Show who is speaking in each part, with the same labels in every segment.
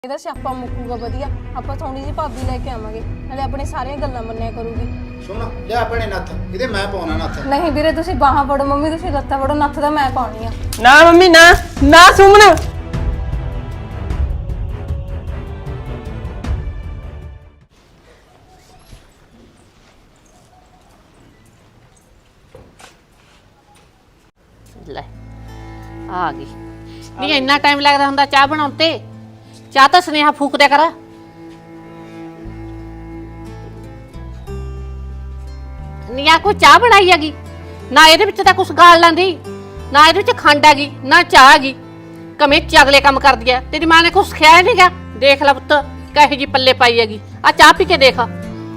Speaker 1: ਇਹਦਾ ਸਿਆਪਾ ਮੁੱਕੂਗਾ ਵਧੀਆ। ਆਪਾਂ ਥੋੜੀ ਜਿਹੀ ਭਾਬੀ ਲੈ ਕੇ ਆਵਾਂਗੇ, ਨਾਲੇ ਆਪਣੇ ਸਾਰੀਆਂ ਗੱਲਾਂ ਮੰਨਿਆ ਕਰੂਗੀ।
Speaker 2: ਸੁਣ ਲੈ ਆਪਣੇ ਨੱਥ, ਇਹਦੇ ਮੈਂ ਪਾਉਣਾ ਨੱਥ।
Speaker 1: ਨਹੀਂ ਵੀਰੇ ਤੁਸੀਂ ਬਾਹਾਂ ਫੜੋ, ਮੰਮੀ ਤੁਸੀਂ ਲੱਤਾਂ ਫੜੋ, ਨੱਥ ਤਾਂ ਮੈਂ ਪਾਉਣੀ ਆ।
Speaker 3: ਨਾ ਮੰਮੀ ਨਾ ਨਾ ਸੁਮਨ।
Speaker 4: ਲੈ ਆ ਗਈ। ਨਹੀਂ ਇੰਨਾ ਟਾਈਮ ਲੱਗਦਾ ਹੁੰਦਾ ਚਾਹ ਬਣਾਉਣ ਤੇ? ਚਾਹ ਤਾਂ ਸੁਨੇਹਾ ਫੂਕ ਦਿਆ ਕਰ। ਨਹੀਂ ਆ ਕੋਈ ਚਾਹ ਬਣਾਈ ਹੈਗੀ ਨਾ, ਇਹਦੇ ਵਿੱਚ ਤਾਂ ਕੁਛ ਗਾਲ ਲਾਂਦੀ ਨਾ, ਇਹਦੇ ਵਿੱਚ ਖੰਡ ਹੈਗੀ ਨਾ ਚਾਹ ਹੈਗੀ। ਕਮੇਚ ਅਗਲੇ ਕੰਮ ਕਰਦੀ ਐ। ਤੇਰੀ ਮਾਂ ਨੇ ਕੁਛ ਸਿਖਾਇਆ ਨਹੀਂਗਾ। ਦੇਖ ਲੈ ਪੁੱਤ ਕਹੇ ਜੀ ਪੱਲੇ ਪਾਈ ਹੈਗੀ। ਆ ਚਾਹ ਪੀ ਕੇ ਦੇਖ।
Speaker 2: ਆ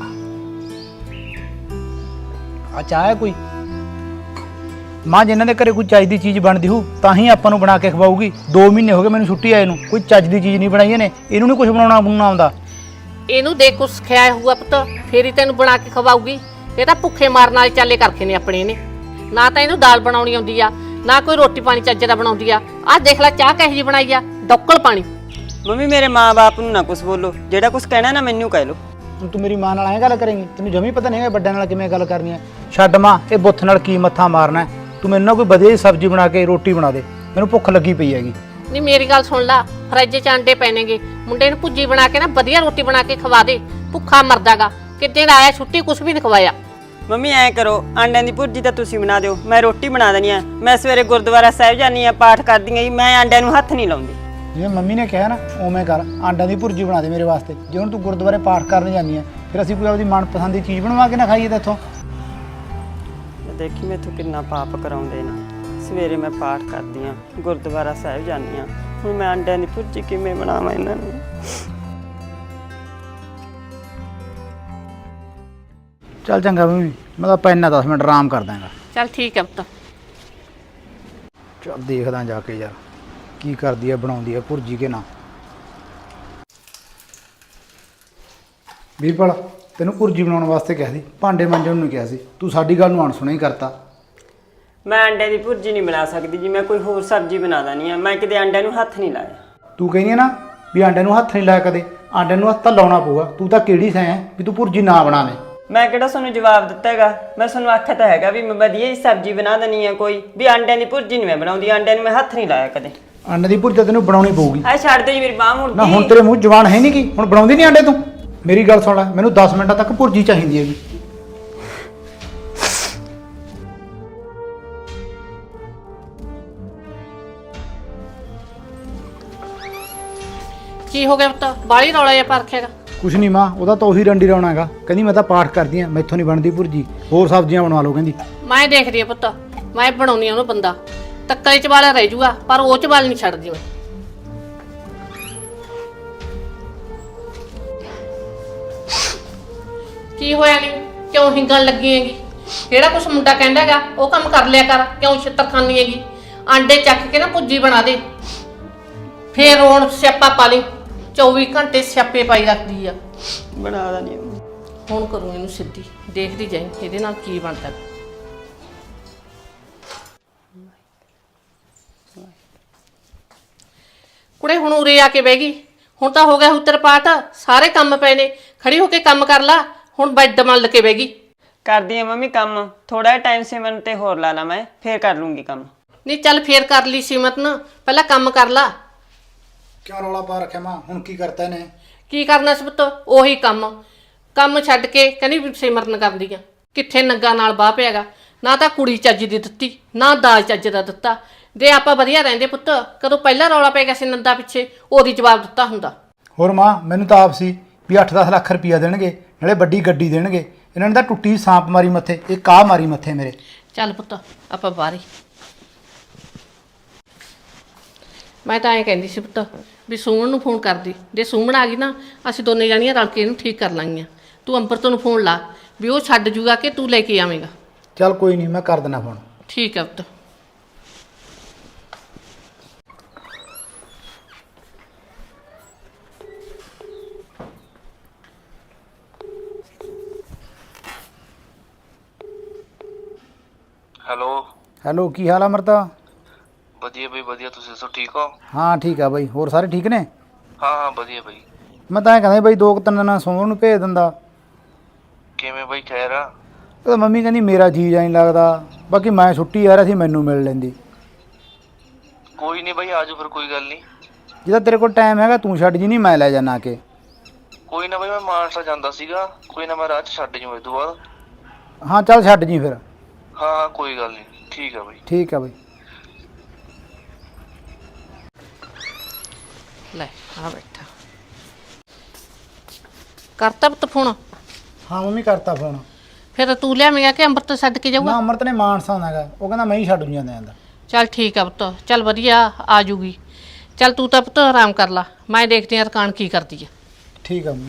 Speaker 2: ਚਾਹ ਹੈ ਕੋਈ ਮਾਂ ਜਿਨ੍ਹਾਂ ਦੇ ਘਰੇ ਕੋਈ ਚੱਜ ਦੀ ਚੀਜ਼ ਬਣਦੀ ਹੋ ਤਾਂ ਹੀ ਆਪਾਂ ਨੂੰ ਬਣਾ ਕੇ ਖਵਾਊਗੀ। 2 ਮਹੀਨੇ ਹੋ ਗਏ ਮੈਨੂੰ ਛੁੱਟੀ ਆਏ ਨੂੰ, ਕੋਈ ਚੱਜ ਦੀ ਚੀਜ਼ ਨਹੀਂ ਬਣਾਈ ਇਹਨੇ। ਇਹਨੂੰ ਨਹੀਂ ਕੁਝ ਬਣਾਉਣਾ ਆਉਂਦਾ।
Speaker 4: ਇਹਨੂੰ ਦੇਖ ਕੁਛ ਸਿਖਾਇਆ ਹੋਊਗਾ ਪੁੱਤ, ਫੇਰ ਹੀ ਤੈਨੂੰ ਬਣਾ ਕੇ ਖਵਾਊਗੀ। ਇਹ ਤਾਂ ਭੁੱਖੇ ਮਾਰਨ ਵਾਲੇ ਚਾਲੇ ਕਰਖੇ ਨੇ ਆਪਣੇ ਨੇ। ਨਾ ਤਾਂ ਇਹਨੂੰ ਦਾਲ ਬਣਾਉਣੀ ਆਉਂਦੀ ਆ, ਨਾ ਕੋਈ ਰੋਟੀ ਪਾਣੀ ਚੱਜ ਦਾ ਬਣਾਉਂਦੀ ਆ। ਆਹ ਦੇਖ ਲੈ ਚਾਹ ਕਹੀ ਜੀ ਬਣਾਈ ਆ, ਡੱਕਲ ਪਾਣੀ।
Speaker 3: ਮੰਮੀ ਮੇਰੇ ਮਾਂ-ਬਾਪ ਨੂੰ ਨਾ ਕੁਝ ਬੋਲੋ, ਜਿਹੜਾ ਕੁਝ ਕਹਿਣਾ ਨਾ ਮੈਨੂੰ ਕਹਿ ਲੋ।
Speaker 2: ਹੁਣ ਤੂੰ ਮੇਰੀ ਮਾਂ ਨਾਲ ਐਂ ਗੱਲ ਕਰੇਂਗੀ? ਤੈਨੂੰ ਜਮੀ ਪਤਾ ਨਹੀਂ ਹੈ ਵੱਡਿਆਂ ਨਾਲ ਕਿਵੇਂ ਗੱਲ ਕਰਨੀ ਹੈ। ਛੱਡ ਮਾਂ, ਇਹ ਬੁੱਥ ਨਾਲ ਕੀ ਮੱਥਾ ਮਾਰਨਾ। ਤੂੰ ਮੈਨੂੰ ਨਾ ਕੋਈ ਵਧੀਆ ਜਿਹੀ ਸਬਜ਼ੀ ਬਣਾ ਕੇ ਰੋਟੀ ਬਣਾ ਦੇ, ਮੈਨੂੰ ਭੁੱਖ ਲੱਗੀ ਪਈ ਹੈਗੀ।
Speaker 4: ਨਹੀਂ ਮੇਰੀ ਗੱਲ ਸੁਣ ਲਾ, ਫਰਿੱਜ 'ਚ ਅੰਡੇ ਪੈਣਗੇ, ਮੁੰਡੇ ਨੂੰ ਭੁੱਜੀ ਬਣਾ ਕੇ ਨਾ ਵਧੀਆ ਰੋਟੀ ਬਣਾ ਕੇ ਖਵਾ ਦੇ। ਭੁੱਖਾ ਮਰਦਾਗਾ, ਕਿਤੇ ਦਾ ਆਇਆ ਛੁੱਟੀ ਕੁਝ ਵੀ ਨਹੀਂ ਖਵਾਇਆ।
Speaker 3: ਮੰਮੀ ਐਂ ਕਰੋ, ਆਂਡਿਆਂ ਦੀ ਭੁਰਜੀ ਤਾਂ ਤੁਸੀਂ ਬਣਾ ਦਿਓ, ਮੈਂ ਰੋਟੀ ਬਣਾ ਦੇਣੀ ਆ। ਮੈਂ ਸਵੇਰੇ ਗੁਰਦੁਆਰਾ ਸਾਹਿਬ ਜਾਨੀ ਆ, ਪਾਠ ਕਰਦੀ ਆ। ਮੈਂ ਆਂਡਿਆਂ ਨੂੰ ਹੱਥ ਨਹੀਂ ਲਾਉਂਦੀ।
Speaker 2: ਜਿਵੇਂ ਮੰਮੀ ਨੇ ਕਿਹਾ ਨਾ ਉਵੇਂ ਕਰ, ਆਂਡਿਆਂ ਦੀ ਭੁਰਜੀ ਬਣਾ ਦੇ ਮੇਰੇ ਵਾਸਤੇ। ਜੇ ਹੁਣ ਤੂੰ ਗੁਰਦੁਆਰੇ ਪਾਠ ਕਰਨ ਜਾਂਦੀ ਆ, ਫਿਰ ਅਸੀਂ ਕੋਈ ਆਪਣੀ ਮਨਪਸੰਦ ਦੀ ਚੀਜ਼ ਬਣਵਾ ਕੇ ਨਾ ਖਾਈਏ ਤਾਂ ਇੱਥੋਂ।
Speaker 3: ਦੇਖੀ ਮੈਥੋਂ ਕਿੰਨਾ ਪਾਪ ਕਰਾਉਂਦੇ ਨੇ। ਸਵੇਰੇ ਮੈਂ ਪਾਠ ਕਰਦੀ ਆ, ਗੁਰਦੁਆਰਾ ਸਾਹਿਬ ਜਾਨੀ ਆ, ਹੁਣ ਮੈਂ ਆਂਡਿਆਂ ਦੀ ਭੁਰਜੀ ਕਿਵੇਂ ਬਣਾਵਾਂ ਇਹਨਾਂ ਨੂੰ?
Speaker 2: ਚੱਲ ਚੰਗਾ ਮੰਮੀ, ਮੈਂ ਤਾਂ ਪੈਨਾ 10 ਮਿੰਟ ਆਰਾਮ ਕਰ ਦਾਂਗਾ।
Speaker 4: ਚੱਲ ਠੀਕ ਹੈ ਪੁੱਤ।
Speaker 2: ਚੱਲ ਦੇਖਦਾ ਜਾ ਕੇ ਯਾਰ ਕੀ ਕਰਦੀ ਆ, ਬਣਾਉਂਦੀ ਆ ਭੁਰਜੀ ਕੇ ਨਾ। ਵੀਰਪਾਲ ਤੈਨੂੰ ਭੁਰਜੀ ਬਣਾਉਣ ਵਾਸਤੇ ਕਿਹਾ ਸੀ, ਭਾਂਡੇ ਮਾਂਜਣ ਨੂੰ ਕਿਹਾ ਸੀ, ਤੂੰ ਸਾਡੀ ਗੱਲ ਨੂੰ ਅਣਸੁਣਾ ਹੀ ਕਰਤਾ।
Speaker 3: ਮੈਂ ਆਂਡਿਆਂ ਦੀ ਭੁਰਜੀ ਨਹੀਂ ਬਣਾ ਸਕਦੀ ਜੀ, ਮੈਂ ਕੋਈ ਹੋਰ ਸਬਜ਼ੀ ਬਣਾ ਦਾਨੀ ਆ। ਮੈਂ ਕਿਤੇ ਆਂਡਿਆਂ ਨੂੰ ਹੱਥ ਨਹੀਂ ਲਾਇਆ।
Speaker 2: ਤੂੰ ਕਹਿੰਦੀ ਆ ਨਾ ਵੀ ਆਂਡਿਆਂ ਨੂੰ ਹੱਥ ਨਹੀਂ ਲਾਇਆ ਕਦੇ, ਆਂਡਿਆਂ ਨੂੰ ਹੱਥ ਤਾਂ ਲਾਉਣਾ ਪਊਗਾ। ਤੂੰ ਤਾਂ ਕਿਹੜੀ ਸੈਂ ਹੈ ਵੀ ਤੂੰ ਭੁਰਜੀ ਨਾ ਬਣਾਵੇਂ?
Speaker 3: ਮੈਂ ਕਿਹੜਾ ਤੁਹਾਨੂੰ ਜਵਾਬ ਦਿੱਤਾ ਹੈਗਾ? ਮੈਂ ਤੁਹਾਨੂੰ ਆਖਿਆ ਤਾਂ ਹੈਗਾ ਵੀ ਮੈਂ ਵਧੀਆ ਹੀ ਸਬਜ਼ੀ ਬਣਾ ਦੇਣੀ ਆ ਕੋਈ, ਵੀ ਆਂਡਿਆਂ ਦੀ ਭੁਰਜੀ ਨਹੀਂ ਮੈਂ ਬਣਾਉਂਦੀ। ਆਂਡਿਆਂ ਨੂੰ ਮੈਂ ਹੱਥ ਨਹੀਂ ਲਾਇਆ ਕਦੇ।
Speaker 2: ਆਂਡੇ ਦੀ ਭੁਰਜੀ ਤੈਨੂੰ ਬਣਾਉਣੀ ਪਊਗੀ।
Speaker 3: ਆ ਛੱਡ ਦੇ ਜੀ, ਮੇਰੀ ਬਾਹ ਮੁੜਦੀ।
Speaker 2: ਨਾ ਹੁਣ ਤੇਰੇ ਮੂੰਹ ਜਵਾਨ ਹੈ ਨਹੀਂ ਕੀ? ਹੁਣ ਬਣਾਉਂਦੀ ਨਹੀਂ ਆਂਡੇ ਤੂੰ? ਮੇਰੀ ਗੱਲ ਸੁਣ ਲੈ, ਮੈਨੂੰ 10 ਮਿੰਟਾਂ ਤੱਕ ਭੁਰਜੀ ਚਾਹੀਦੀ ਹੈਗੀ।
Speaker 4: ਕੀ ਹੋ ਗਿਆ ਪੁੱਤ, ਬਾਲੀ ਰੌਲਾ ਜਿਹਾ ਪਾ ਰੱਖਿਆਗਾ?
Speaker 2: ਕੁਛ ਨਹੀਂ ਮਾਂ, ਉਹਦਾ ਤਾਂ ਉਹੀ ਡੰਡੀ ਰੌਣਾ ਹੈਗਾ। ਕਹਿੰਦੀ ਮੈਂ ਤਾਂ ਪਾਠ ਕਰਦੀ ਆ, ਮੈਥੋਂ ਨਹੀਂ ਬਣਦੀ ਭੁਰਜੀ, ਹੋਰ ਸਬਜ਼ੀਆਂ ਬਣਵਾ ਲਓ ਕਹਿੰਦੀ।
Speaker 4: ਮੈਂ ਦੇਖਦੀ ਆ ਪੁੱਤ, ਮੈਂ ਬਣਾਉਣੀ ਆ ਉਹਨੂੰ ਬੰਦਾ। ਤੱਕਲੇ 'ਚ ਵਾਲਾ ਰਹਿ ਜੂਗਾ, ਪਰ ਉਹ 'ਚ ਵਾਲ ਨਹੀਂ ਛੱਡਦੀ ਮੈਂ। ਕੀ ਹੋਇਆ ਨਹੀਂ? ਕਿਉਂ ਹਿੰਗਣ ਲੱਗੀ ਹੈਗੀ? ਜਿਹੜਾ ਕੁਛ ਮੁੰਡਾ ਕਹਿੰਦਾ ਹੈਗਾ ਉਹ ਕੰਮ ਕਰ ਲਿਆ ਕਰ, ਕਿਉਂ ਛਿੱਤਰ ਖਾਂਦੀ ਹੈਗੀ? ਆਂਡੇ ਚੱਕ ਕੇ ਨਾ ਭੁੱਜੀ ਬਣਾ ਦੇ, ਫੇਰ ਹੁਣ ਸਿਆਪਾ ਪਾ ਲਈ। 24 ਘੰਟੇ ਸਿਆਪੇ ਪਾਈ ਰੱਖਦੀ ਆ।
Speaker 3: ਬਣਾ ਦੇਣੀ।
Speaker 4: ਹੁਣ ਕਰੂੰ ਇਹਨੂੰ ਸਿੱਧੀ, ਦੇਖਦੀ ਜਾਈਂ ਇਹਦੇ ਨਾਲ ਕੀ ਬਣਦਾ। ਕੁੜੇ ਹੁਣ ਉਰੇ ਆ ਕੇ ਬਹਿ ਗਈ। ਹੁਣ ਤਾਂ ਹੋ ਗਿਆ ਉੱਤਰ ਪਾਠ, ਸਾਰੇ ਕੰਮ ਪਏ ਨੇ, ਖੜੀ ਹੋ ਕੇ ਕੰਮ ਕਰ ਲਾ। ਹੁਣ ਬੈੱਡ ਮੱਲ ਕੇ ਬਹਿ ਗਈ।
Speaker 3: ਕਰਦੀ ਆ ਮੰਮੀ ਕੰਮ, ਥੋੜਾ ਜਿਹਾ ਟਾਈਮ ਸਿਮਰਨ ਤੇ ਹੋਰ ਲਾ ਲਾ, ਮੈਂ ਫੇਰ ਕਰ ਲੂੰਗੀ ਕੰਮ।
Speaker 4: ਨਹੀਂ ਚੱਲ ਫੇਰ ਕਰ ਲਈ ਸਿਮਰਨ, ਪਹਿਲਾਂ ਕੰਮ ਕਰ ਲਾ।
Speaker 2: ਕਿਉਂ ਰੌਲਾ ਪਾ ਰੱਖਿਆ ਮਾਂ? ਹੁਣ ਕੀ ਕਰਤਾ ਇਹਨੇ?
Speaker 4: ਕੀ ਕਰਨਾ ਸੀ ਪੁੱਤ? ਉਹੀ ਕੰਮ ਛੱਡ ਕੇ ਕਹਿੰਦੀ ਵੀ ਸਿਮਰਨ ਕਰਦੀ ਆ। ਕਿੱਥੇ ਨੰਗਾ ਨਾਲ ਬਾਹ ਪਿਆਗਾ? ਨਾ ਤਾਂ ਕੁੜੀ ਚੱਜ ਦੀ ਦਿੱਤੀ, ਨਾ ਦਾਜ ਚੱਜ ਦਾ ਦਿੱਤਾ। ਜੇ ਆਪਾਂ ਵਧੀਆ ਰਹਿੰਦੇ ਪੁੱਤ, ਕਦੋਂ ਪਹਿਲਾਂ ਰੌਲਾ ਪੈ ਗਿਆ ਸੀ ਨੰਦਾ ਪਿੱਛੇ, ਉਹਦੀ ਜਵਾਬ ਦਿੱਤਾ ਹੁੰਦਾ।
Speaker 2: ਹੋਰ ਮਾਂ ਮੈਨੂੰ ਤਾਂ ਆਪ ਸੀ ਵੀ 8-10 ਲੱਖ ਰੁਪਈਆ ਦੇਣਗੇ, ਨਾਲੇ ਵੱਡੀ ਗੱਡੀ ਦੇਣਗੇ। ਇਹਨਾਂ ਨੇ ਤਾਂ ਟੁੱਟੀ ਸਾਂਪ ਮਾਰੀ ਮੱਥੇ, ਇਹ ਕਾਹ ਮਾਰੀ ਮੱਥੇ ਮੇਰੇ।
Speaker 4: ਚੱਲ ਪੁੱਤ ਆਪਾਂ ਬਾਹਰ ਹੀ। ਮੈਂ ਤਾਂ ਐਂ ਕਹਿੰਦੀ ਸੀ ਪੁੱਤ ਵੀ ਸੁਮਨ ਨੂੰ ਫੋਨ ਕਰਦੀ, ਜੇ ਸੁਮਨ ਆ ਗਈ ਨਾ ਅਸੀਂ ਦੋਨੇ ਜਾਣੀਆਂ ਰਲ ਕੇ ਇਹਨੂੰ ਠੀਕ ਕਰ ਲਾਂਗੀਆਂ। ਤੂੰ ਅੰਮ੍ਰਿਤ ਨੂੰ ਫੋਨ ਲਾ ਵੀ ਉਹ ਛੱਡ ਜੂਗਾ ਕਿ ਤੂੰ ਲੈ ਕੇ ਆਵੇਂਗਾ।
Speaker 2: ਚੱਲ ਕੋਈ ਨਹੀਂ, ਮੈਂ ਕਰ ਦੇਣਾ ਫੋਨ।
Speaker 4: ਠੀਕ ਹੈ ਪੁੱਤ।
Speaker 2: ਹੈਲੋ ਕੀ ਹਾਲ ਆ ਅਮਰਤਾ?
Speaker 5: ਵਧੀਆ ਬਈ ਵਧੀਆ, ਤੁਸੀਂ ਦੱਸੋ ਠੀਕ ਹੋ?
Speaker 2: ਹਾਂ ਠੀਕ ਆ ਬਾਈ, ਹੋਰ ਸਾਰੇ ਠੀਕ ਨੇ?
Speaker 5: ਹਾਂ ਵਧੀਆ ਬਾਈ।
Speaker 2: ਮੈਂ ਤਾਂ ਐਂ ਕਹਿੰਦਾ ਬਈ 2-3 ਦਿਨਾਂ ਸੋਮਵਾਰ ਨੂੰ ਭੇਜ ਦਿੰਦਾ।
Speaker 5: ਕਿਵੇਂ ਬਾਈ ਖੈਰ ਆ?
Speaker 2: ਉਹ ਤਾਂ ਮੰਮੀ ਕਹਿੰਦੀ ਮੇਰਾ ਜੀ ਨਹੀਂ ਲੱਗਦਾ, ਬਾਕੀ ਮੈਂ ਛੁੱਟੀ ਆ ਰਿਹਾ ਸੀ, ਮੈਨੂੰ ਮਿਲ ਲੈਂਦੀ।
Speaker 5: ਕੋਈ ਨਹੀਂ ਬਾਈ, ਆਜੋ ਫਿਰ, ਕੋਈ ਗੱਲ ਨਹੀਂ।
Speaker 2: ਜਿਹਦਾ ਤੇਰੇ ਕੋਲ ਟਾਈਮ ਹੈਗਾ ਤੂੰ ਛੱਡ ਜੀ, ਨਹੀਂ ਮੈਂ ਲੈ ਜਾਣਾ ਕੇ।
Speaker 5: ਕੋਈ ਨਾ ਬਾਈ, ਮੈਂ ਮਾਨਸਾ ਜਾਂਦਾ ਸੀਗਾ, ਕੋਈ ਨਾ ਮੈਂ ਰਾਹ 'ਚ ਛੱਡ ਜੂ ਇਸ ਤੋਂ ਬਾਅਦ।
Speaker 2: ਹਾਂ ਚੱਲ ਛੱਡ ਜੀ ਫਿਰ।
Speaker 5: ਹਾਂ ਕੋਈ ਗੱਲ ਨਹੀਂ, ਠੀਕ ਆ ਬਾਈ।
Speaker 2: ਠੀਕ ਆ ਬਈ।
Speaker 4: ਲੈ ਆ ਬੈਠਾ ਕਰਤਾ ਪੁੱਤ ਫੋਨ।
Speaker 2: ਹਾਂ ਮੰਮੀ ਕਰਤਾ ਫੋਨ।
Speaker 4: ਫਿਰ ਤੂੰ ਲਿਆਵੇਂਗਾ ਕਿ ਅੰਮ੍ਰਿਤ ਛੱਡ ਕੇ
Speaker 2: ਨਾ
Speaker 4: ਜਾਊਗਾ?
Speaker 2: ਅਮਰਤ ਨੇ ਮਾਨਸਾ ਆਉਣਾ ਹੈਗਾ, ਉਹ ਕਹਿੰਦਾ ਮੈਂ ਹੀ ਛੱਡ ਜਾਂਦਾ ਜਾਂਦਾ।
Speaker 4: ਚੱਲ ਠੀਕ ਆ ਪੁੱਤ, ਚੱਲ ਵਧੀਆ ਆ ਜੂਗੀ। ਚੱਲ ਤੂੰ ਤਾਂ ਪੁੱਤ ਆਰਾਮ ਕਰ ਲਾ, ਮੈਂ ਦੇਖਦੀ ਹਾਂ ਰਕਾਨ ਕੀ ਕਰਦੀ ਆ।
Speaker 2: ਠੀਕ ਆ ਮੰਮੀ।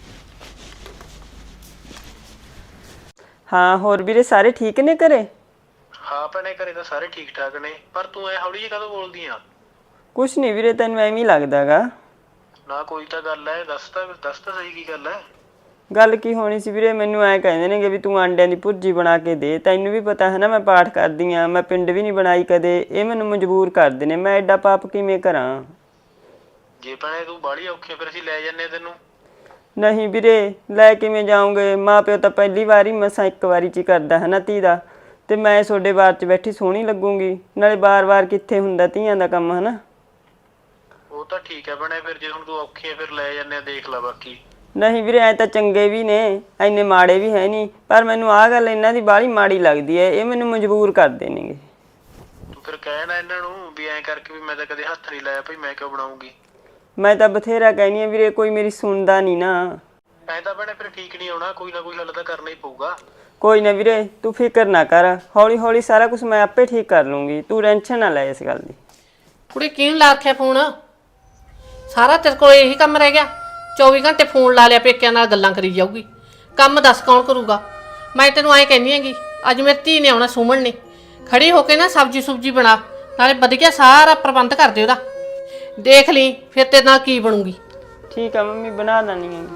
Speaker 3: ਹਾਂ ਹੋਰ ਵੀਰੇ ਸਾਰੇ ਠੀਕ ਨੇ ਘਰੇ?
Speaker 5: ਹਾਂ ਭੈਣੇ ਘਰੇ ਤਾਂ ਸਾਰੇ ਠੀਕ ਠਾਕ ਨੇ, ਪਰ ਤੂੰ ਐ ਹੌਲੀ ਜਿਹੀ ਕਦੋਂ ਬੋਲਦੀ ਆ?
Speaker 3: ਕੁਛ ਨਹੀਂ ਵੀਰੇ, ਤੈਨੂੰ ਐਵੇਂ ਹੀ ਲੱਗਦਾਗਾ।
Speaker 5: ਨਾ ਕੋਈ ਤਾਂ ਗੱਲ ਐ, ਦੱਸ ਤਾਂ ਸਹੀ ਕੀ ਗੱਲ ਐ?
Speaker 3: ਗੱਲ ਕੀ ਹੋਣੀ ਸੀ ਵੀਰੇ, ਮੈਨੂੰ ਐਂ ਕਹਿੰਦੇ ਨੇਗੇ ਵੀ ਤੂੰ ਆਂਡਿਆਂ ਦੀ ਭੁਰਜੀ ਬਣਾ ਕੇ ਦੇ। ਤੈਨੂੰ ਵੀ ਪਤਾ ਹੈ ਨਾ ਮੈਂ ਪਾਠ ਕਰਦੀ ਆ, ਮੈਂ ਪਿੰਡ ਵੀ ਨਹੀਂ ਬਣਾਈ ਕਦੇ। ਇਹ ਮੈਨੂੰ ਮਜਬੂਰ ਕਰਦੇ ਨੇ, ਮੈਂ ਐਡਾ ਪਾਪ ਕਿਵੇਂ ਕਰਾਂ?
Speaker 5: ਜੇ ਭੈਣੇ ਤੂੰ ਬਾਹਲੀ ਔਖੀ ਫਿਰ ਅਸੀਂ ਲੈ ਜੰਨੇ ਤੈਨੂੰ।
Speaker 3: ਨਹੀਂ ਵੀਰੇ, ਲੈ ਕਿਵੇਂ ਜਾਉਂਗੇ? ਮਾਂ ਪਿਓ ਤਾਂ ਪਹਿਲੀ ਵਾਰੀ ਮਸਾਂ ਇੱਕ ਵਾਰੀ 'ਚ ਹੀ ਕਰਦਾ ਹੈ ਨਾ ਧੀ ਦਾ, ਤੇ ਮੈਂ ਤੁਹਾਡੇ ਬਾਰ 'ਚ ਬੈਠੀ ਸੋਹਣੀ ਲੱਗੂਗੀ? ਨਾਲੇ ਬਾਰ-ਬਾਰ ਕਿੱਥੇ ਹੁੰਦਾ ਧੀਆਂ ਦਾ ਕੰਮ, ਹੈ ਨਾ?
Speaker 5: ਉਹ ਤਾਂ ਠੀਕ ਹੈ ਭੈਣੇ, ਫਿਰ ਜੇ ਹੁਣ ਤੂੰ ਔਖੀ ਹੈ ਫਿਰ ਲੈ ਜੰਨੇ, ਦੇਖ ਲੈ ਬਾਕੀ।
Speaker 3: ਨਹੀਂ ਵੀਰੇ, ਐ ਤਾਂ ਚੰਗੇ ਵੀ ਨੇ, ਐਨੇ ਮਾੜੇ ਵੀ ਹੈ ਨਹੀਂ, ਪਰ ਮੈਨੂੰ ਆਹ ਗੱਲ ਇਹਨਾਂ ਦੀ ਬਾਹਲੀ ਮਾੜੀ ਲੱਗਦੀ ਹੈ। ਇਹ ਮੈਨੂੰ ਮਜਬੂਰ ਕਰਦੇ ਨੇਗੇ।
Speaker 5: ਤੂੰ ਫਿਰ ਕਹਿ ਨਾ ਇਹਨਾਂ ਨੂੰ ਵੀ ਐਂ ਕਰਕੇ ਵੀ ਮੈਂ ਤਾਂ ਕਦੇ ਹੱਥ ਨਹੀਂ ਲਾਇਆ ਭਾਈ, ਮੈਂ ਕਿਉਂ ਬਣਾਉਂਗੀ?
Speaker 3: ਮੈਂ ਤਾਂ ਬਥੇਰਾ ਕਹਿਨੀ ਆ ਵੀਰੇ, ਕੋਈ ਮੇਰੀ ਸੁਣਦਾ ਨਹੀਂ ਨਾ।
Speaker 5: ਐਂ ਤਾਂ ਭੈਣੇ ਫਿਰ ਠੀਕ ਨਹੀਂ ਆਉਣਾ, ਕੋਈ ਨਾ ਕੋਈ ਹੱਲ ਤਾਂ ਕਰਨਾ ਹੀ ਪਊਗਾ।
Speaker 3: ਕੋਈ ਨਾ ਵੀਰੇ, ਤੂੰ ਫਿਕਰ ਨਾ ਕਰ, ਹੌਲੀ ਹੌਲੀ ਸਾਰਾ ਕੁਝ ਮੈਂ ਆਪੇ ਠੀਕ ਕਰ ਲੂੰਗੀ, ਤੂੰ ਟੈਨਸ਼ਨ ਨਾ ਲੈ ਇਸ ਗੱਲ ਦੀ।
Speaker 4: ਕੁੜੀ ਕਿਹਨੂੰ ਲਾ ਰੱਖਿਆ ਫੋਨ? ਸਾਰਾ ਤੇਰੇ ਕੋਲ ਇਹੀ ਕੰਮ ਰਹਿ ਗਿਆ? 24 ਘੰਟੇ ਫੋਨ ਲਾ ਲਿਆ, ਪੇਕਿਆਂ ਨਾਲ ਗੱਲਾਂ ਕਰੀ ਜਾਊਗੀ। ਕੰਮ ਦੱਸ ਕੌਣ ਕਰੂਗਾ? ਮੈਂ ਤੈਨੂੰ ਐਂ ਕਹਿੰਦੀ ਹੈਗੀ, ਅੱਜ ਮੇਰੀ ਧੀ ਨੇ ਆਉਣਾ, ਸੁਮਨ ਨੇ, ਖੜੀ ਹੋ ਕੇ ਨਾ ਸਬਜ਼ੀ ਸੁਬਜੀ ਬਣਾ, ਨਾਲੇ ਵਧੀਆ ਸਾਰਾ ਪ੍ਰਬੰਧ ਕਰ ਦੇ ਉਹਦਾ। ਦੇਖ ਲਈ ਫਿਰ ਤੇਰੇ ਨਾਲ ਕੀ ਬਣੂਗੀ।
Speaker 3: ਠੀਕ ਆ ਮੰਮੀ, ਬਣਾ ਦਾਨੀ ਆ।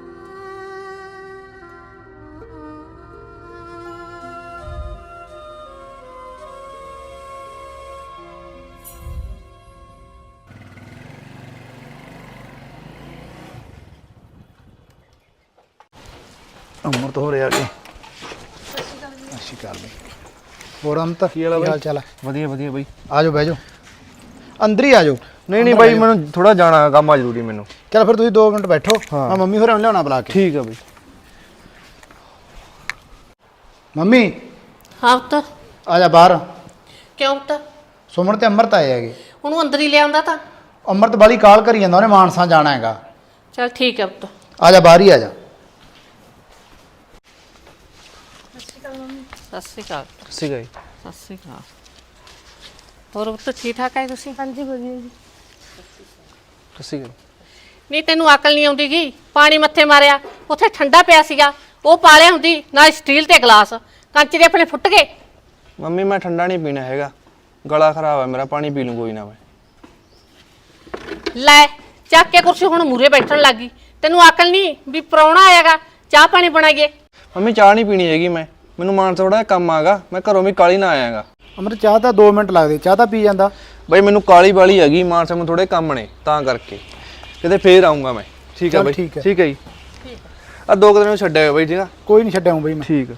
Speaker 2: ਅਮਰਤ ਹੋ ਰਿਹਾ ਅੱਗੇ। ਸਤਿ ਸ਼੍ਰੀ ਅਕਾਲ ਬਈ। ਹੋਰ ਅਮਰਤ ਕੀ ਹਾਲ ਚਾਲ ਹੈ?
Speaker 6: ਵਧੀਆ ਵਧੀਆ ਬਾਈ।
Speaker 2: ਆ ਜਾਓ ਬਹਿ ਜਾਓ, ਅੰਦਰ ਹੀ ਆ ਜਾਓ।
Speaker 6: ਨਹੀਂ ਬਾਈ, ਮੈਨੂੰ ਥੋੜਾ ਜਾਣਾ, ਕੰਮ ਆ ਜ਼ਰੂਰੀ ਮੈਨੂੰ।
Speaker 2: ਚਲ ਫਿਰ ਤੁਸੀਂ 2 ਮਿੰਟ ਬੈਠੋ, ਮੈਂ ਮੰਮੀ ਹੋਰਾਂ ਨੂੰ ਲਿਆਉਣਾ ਬੁਲਾ ਕੇ।
Speaker 6: ਠੀਕ ਆ ਬਾਈ।
Speaker 2: ਮੰਮੀ
Speaker 4: ਹਾਂ ਪੁੱਤ।
Speaker 2: ਆ ਜਾ ਬਾਹਰ।
Speaker 4: ਕਿਉਂ ਪੁੱਤ?
Speaker 2: ਸੁਮਨ ਤੇ ਅਮਰਤ ਆਏ ਹੈਗੇ।
Speaker 4: ਉਹਨੂੰ ਅੰਦਰ ਹੀ ਲਿਆਉਂਦਾ ਤਾਂ।
Speaker 2: ਅਮਰਤ ਬਾਲੀ ਕਾਲ ਕਰੀ ਜਾਂਦਾ, ਉਹਨੇ ਮਾਨਸਾ ਜਾਣਾ ਹੈਗਾ।
Speaker 4: ਚੱਲ ਠੀਕ ਹੈ ਪੁੱਤ।
Speaker 2: ਆ ਜਾ ਬਾਹਰ ਹੀ ਆ ਜਾ।
Speaker 4: ਸਤਿ ਸ਼੍ਰੀ ਅਕਾਲ।
Speaker 6: ਸੀਗਾ ਜੀ।
Speaker 4: ਸਤਿ ਸ਼੍ਰੀ ਅਕਾਲ। ਹੋਰ ਪੁੱਤ ਠੀਕ ਠਾਕ ਹੈ ਤੁਸੀਂ?
Speaker 1: ਹਾਂਜੀ ਵਧੀਆ ਜੀ।
Speaker 6: ਸੀਗਾ।
Speaker 4: ਨਹੀਂ ਤੈਨੂੰ ਅਕਲ ਨਹੀਂ ਆਉਂਦੀ ਗੀ? ਪਾਣੀ ਮੱਥੇ ਮਾਰਿਆ, ਉੱਥੇ ਠੰਡਾ ਪਿਆ ਸੀਗਾ, ਉਹ ਪਾ ਲਿਆ ਹੁੰਦੀ ਨਾਲ, ਸਟੀਲ ਤੇ ਗਲਾਸ ਕੰਚ ਦੇ ਆਪਣੇ ਫੁੱਟ ਗਏ।
Speaker 6: ਮੰਮੀ ਮੈਂ ਠੰਡਾ ਨਹੀਂ ਪੀਣਾ ਹੈਗਾ, ਗਲਾ ਖਰਾਬ ਹੈ ਮੇਰਾ, ਪਾਣੀ ਪੀ ਲੂੰ ਕੋਈ ਨਾ ਮੈਂ।
Speaker 4: ਲੈ ਚੱਕ ਕੇ ਕੁਰਸੀ ਹੁਣ ਮੂਰੇ ਬੈਠਣ ਲੱਗੀ। ਤੈਨੂੰ ਅਕਲ ਨਹੀਂ ਵੀ ਪ੍ਰਾਹੁਣਾ ਆਏਗਾ, ਚਾਹ ਪਾਣੀ ਬਣਾਈਏ?
Speaker 6: ਮੰਮੀ ਚਾਹ ਨਹੀਂ ਪੀਣੀ ਹੈਗੀ ਮੈਂ, ਮੈਨੂੰ ਮਾਨਸਾ ਥੋੜਾ ਕੰਮ ਆਗਾ, ਮੈਂ ਘਰੋਂ ਵੀ ਕਾਲੀ ਨਾ ਆਇਆਗਾ।
Speaker 2: ਅਮਰਤ ਚਾਹ ਤਾਂ 2 ਮਿੰਟ ਲੱਗਦੇ, ਚਾਹ ਤਾਂ ਪੀ ਜਾਂਦਾ।
Speaker 6: ਬਾਈ ਮੈਨੂੰ ਕਾਲੀ ਵਾਲੀ ਹੈਗੀ, ਮਾਨਸਾ ਮੈਨੂੰ ਥੋੜੇ ਕੰਮ ਨੇ, ਤਾਂ ਕਰਕੇ ਕਿਤੇ ਫੇਰ ਆਉਂਗਾ ਮੈਂ। ਠੀਕ ਆ ਬਾਈ। ਠੀਕ ਹੈ ਜੀ। ਆ 2 ਦਿਨ ਨੂੰ ਛੱਡਿਆ ਬਾਈ। ਠੀਕ ਆ,
Speaker 2: ਕੋਈ ਨਹੀਂ ਛੱਡਾਂ ਬਈ ਮੈਂ।
Speaker 6: ਠੀਕ ਆ।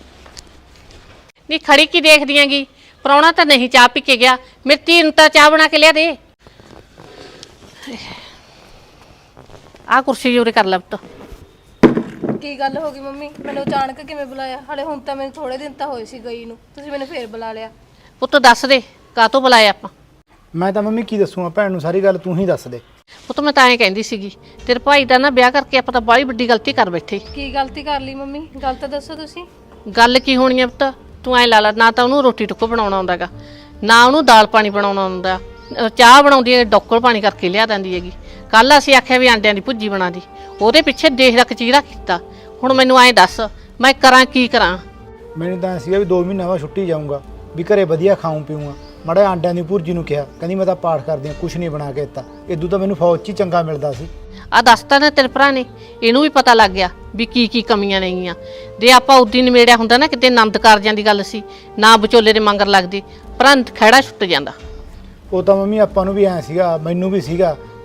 Speaker 4: ਨਹੀਂ ਖੜੀ ਕੀ ਦੇਖਦੀ ਆਂਗੀ? ਪ੍ਰਾਹੁਣਾ ਤਾਂ ਨਹੀਂ ਚਾਹ ਪੀ ਕੇ ਗਿਆ, ਮੇਰੀ ਧੀ ਨੂੰ ਤਾਂ ਚਾਹ ਬਣਾ ਕੇ ਲਿਆ ਦੇ। ਆਹ ਕੁਰਸੀ ਜੋਰੇ ਕਰ ਲੈ ਪੁੱਤ।
Speaker 1: ਕੀ ਗੱਲ ਹੋ ਗਈ ਮੰਮੀ? ਮੈਨੂੰ ਅਚਾਨਕ ਕਿਵੇਂ ਬੁਲਾਇਆ? ਹਲੇ ਹੁਣ ਤਾਂ ਮੈਨੂੰ ਥੋੜੇ ਦਿਨ ਤਾਂ ਹੋਏ ਸੀ ਗਈ ਨੂੰ, ਤੁਸੀਂ ਮੈਨੂੰ ਫੇਰ ਬੁਲਾ ਲਿਆ।
Speaker 4: ਪੁੱਤ ਦੱਸ ਦੇ ਕਾਹਤੋਂ ਬੁਲਾਇਆ ਆਪਾਂ?
Speaker 2: ਮੈਂ ਤਾਂ ਮੰਮੀ ਕੀ ਦੱਸੂਗਾ ਭੈਣ ਨੂੰ, ਸਾਰੀ ਗੱਲ ਤੂੰ ਹੀ ਦੱਸ ਦੇ।
Speaker 4: ਪੁੱਤ ਮੈਂ ਤਾਂ ਐਂ ਕਹਿੰਦੀ ਸੀਗੀ, ਤੇਰੇ ਭਾਈ ਦਾ ਨਾ ਵਿਆਹ ਕਰਕੇ ਆਪਾਂ ਤਾਂ ਬੜੀ ਵੱਡੀ ਗਲਤੀ ਕਰ ਬੈਠੇ।
Speaker 1: ਕੀ ਗਲਤੀ ਕਰ ਲਈ ਮੰਮੀ? ਗੱਲ ਤਾਂ ਦੱਸੋ ਤੁਸੀਂ।
Speaker 4: ਗੱਲ ਕੀ ਹੋਣੀ ਆ ਪੁੱਤ? ਤੂੰ ਐਂ ਲਾ ਲਾ, ਨਾ ਤਾਂ ਉਹਨੂੰ ਰੋਟੀ ਟੁੱਕੋ ਬਣਾਉਣਾ ਆਉਂਦਾਗਾ, ਨਾ ਉਹਨੂੰ ਦਾਲ ਪਾਣੀ ਬਣਾਉਣਾ ਆਉਂਦਾ। ਚਾਹ ਬਣਾਉਂਦੀ ਹੈ ਡੋਕਲ ਪਾਣੀ ਕਰਕੇ ਲਿਆ ਦਿੰਦੀ ਹੈਗੀ। ਕੱਲ ਅਸੀਂ ਆਖਿਆ ਵੀ ਆਂਡਿਆਂ ਦੀ ਭੁੱਜੀ ਬਣਾ ਦੀ, ਉਹਦੇ ਪਿੱਛੇ ਦੇਖ ਰੱਖ ਚੀਰਾ ਕੀਤਾ। ਹੁਣ ਮੈਨੂੰ ਐਂ ਦੱਸ ਮੈਂ ਕਰਾਂ ਕੀ ਕਰਾਂ?
Speaker 2: ਮੈਨੂੰ ਤਾਂ ਸੀਗਾ ਵੀ 2 ਮਹੀਨੇ ਬਾਅਦ ਛੁੱਟੀ ਜਾਊਂਗਾ, ਵੀ ਘਰੇ ਵਧੀਆ ਖਾਊਂ ਪੀਊਂਗਾ। ਮਾੜਾ ਆਂਡਿਆਂ ਦੀ ਭੁਰਜੀ ਨੂੰ ਕਿਹਾ, ਕਹਿੰਦੀ ਮੈਂ ਤਾਂ ਪਾਠ ਕਰਦੀ ਹਾਂ, ਕੁਛ ਨਹੀਂ ਬਣਾ ਕੇ ਦਿੱਤਾ। ਇਦੋਂ ਤਾਂ ਮੈਨੂੰ ਫੌਜ 'ਚ ਹੀ ਚੰਗਾ ਮਿਲਦਾ ਸੀ।
Speaker 4: ਆ ਦੱਸਤਾ ਨਾ ਤੇਰੇ ਭਰਾ ਨੇ, ਇਹਨੂੰ ਵੀ ਪਤਾ ਲੱਗ ਗਿਆ ਵੀ ਕੀ ਕੀ ਕਮੀਆਂ ਨੇਗੀਆਂ। ਜੇ ਆਪਾਂ ਉਦੀ ਨਿਮੇੜਿਆ ਹੁੰਦਾ ਨਾ, ਕਿਤੇ ਆਨੰਦ ਕਾਰਜਾਂ ਦੀ ਗੱਲ ਸੀ, ਨਾ ਵਿਚੋਲੇ ਦੇ ਮੰਗਰ ਲੱਗਦੀ, ਭਰਾ ਖਹਿੜਾ ਛੁੱਟ ਜਾਂਦਾ।
Speaker 2: ਉਹ ਤਾਂ ਮੰਮੀ ਆਪਾਂ ਨੂੰ ਵੀ ਐਂ ਸੀਗਾ, ਮੈਨੂੰ ਵੀ ਸੀਗਾ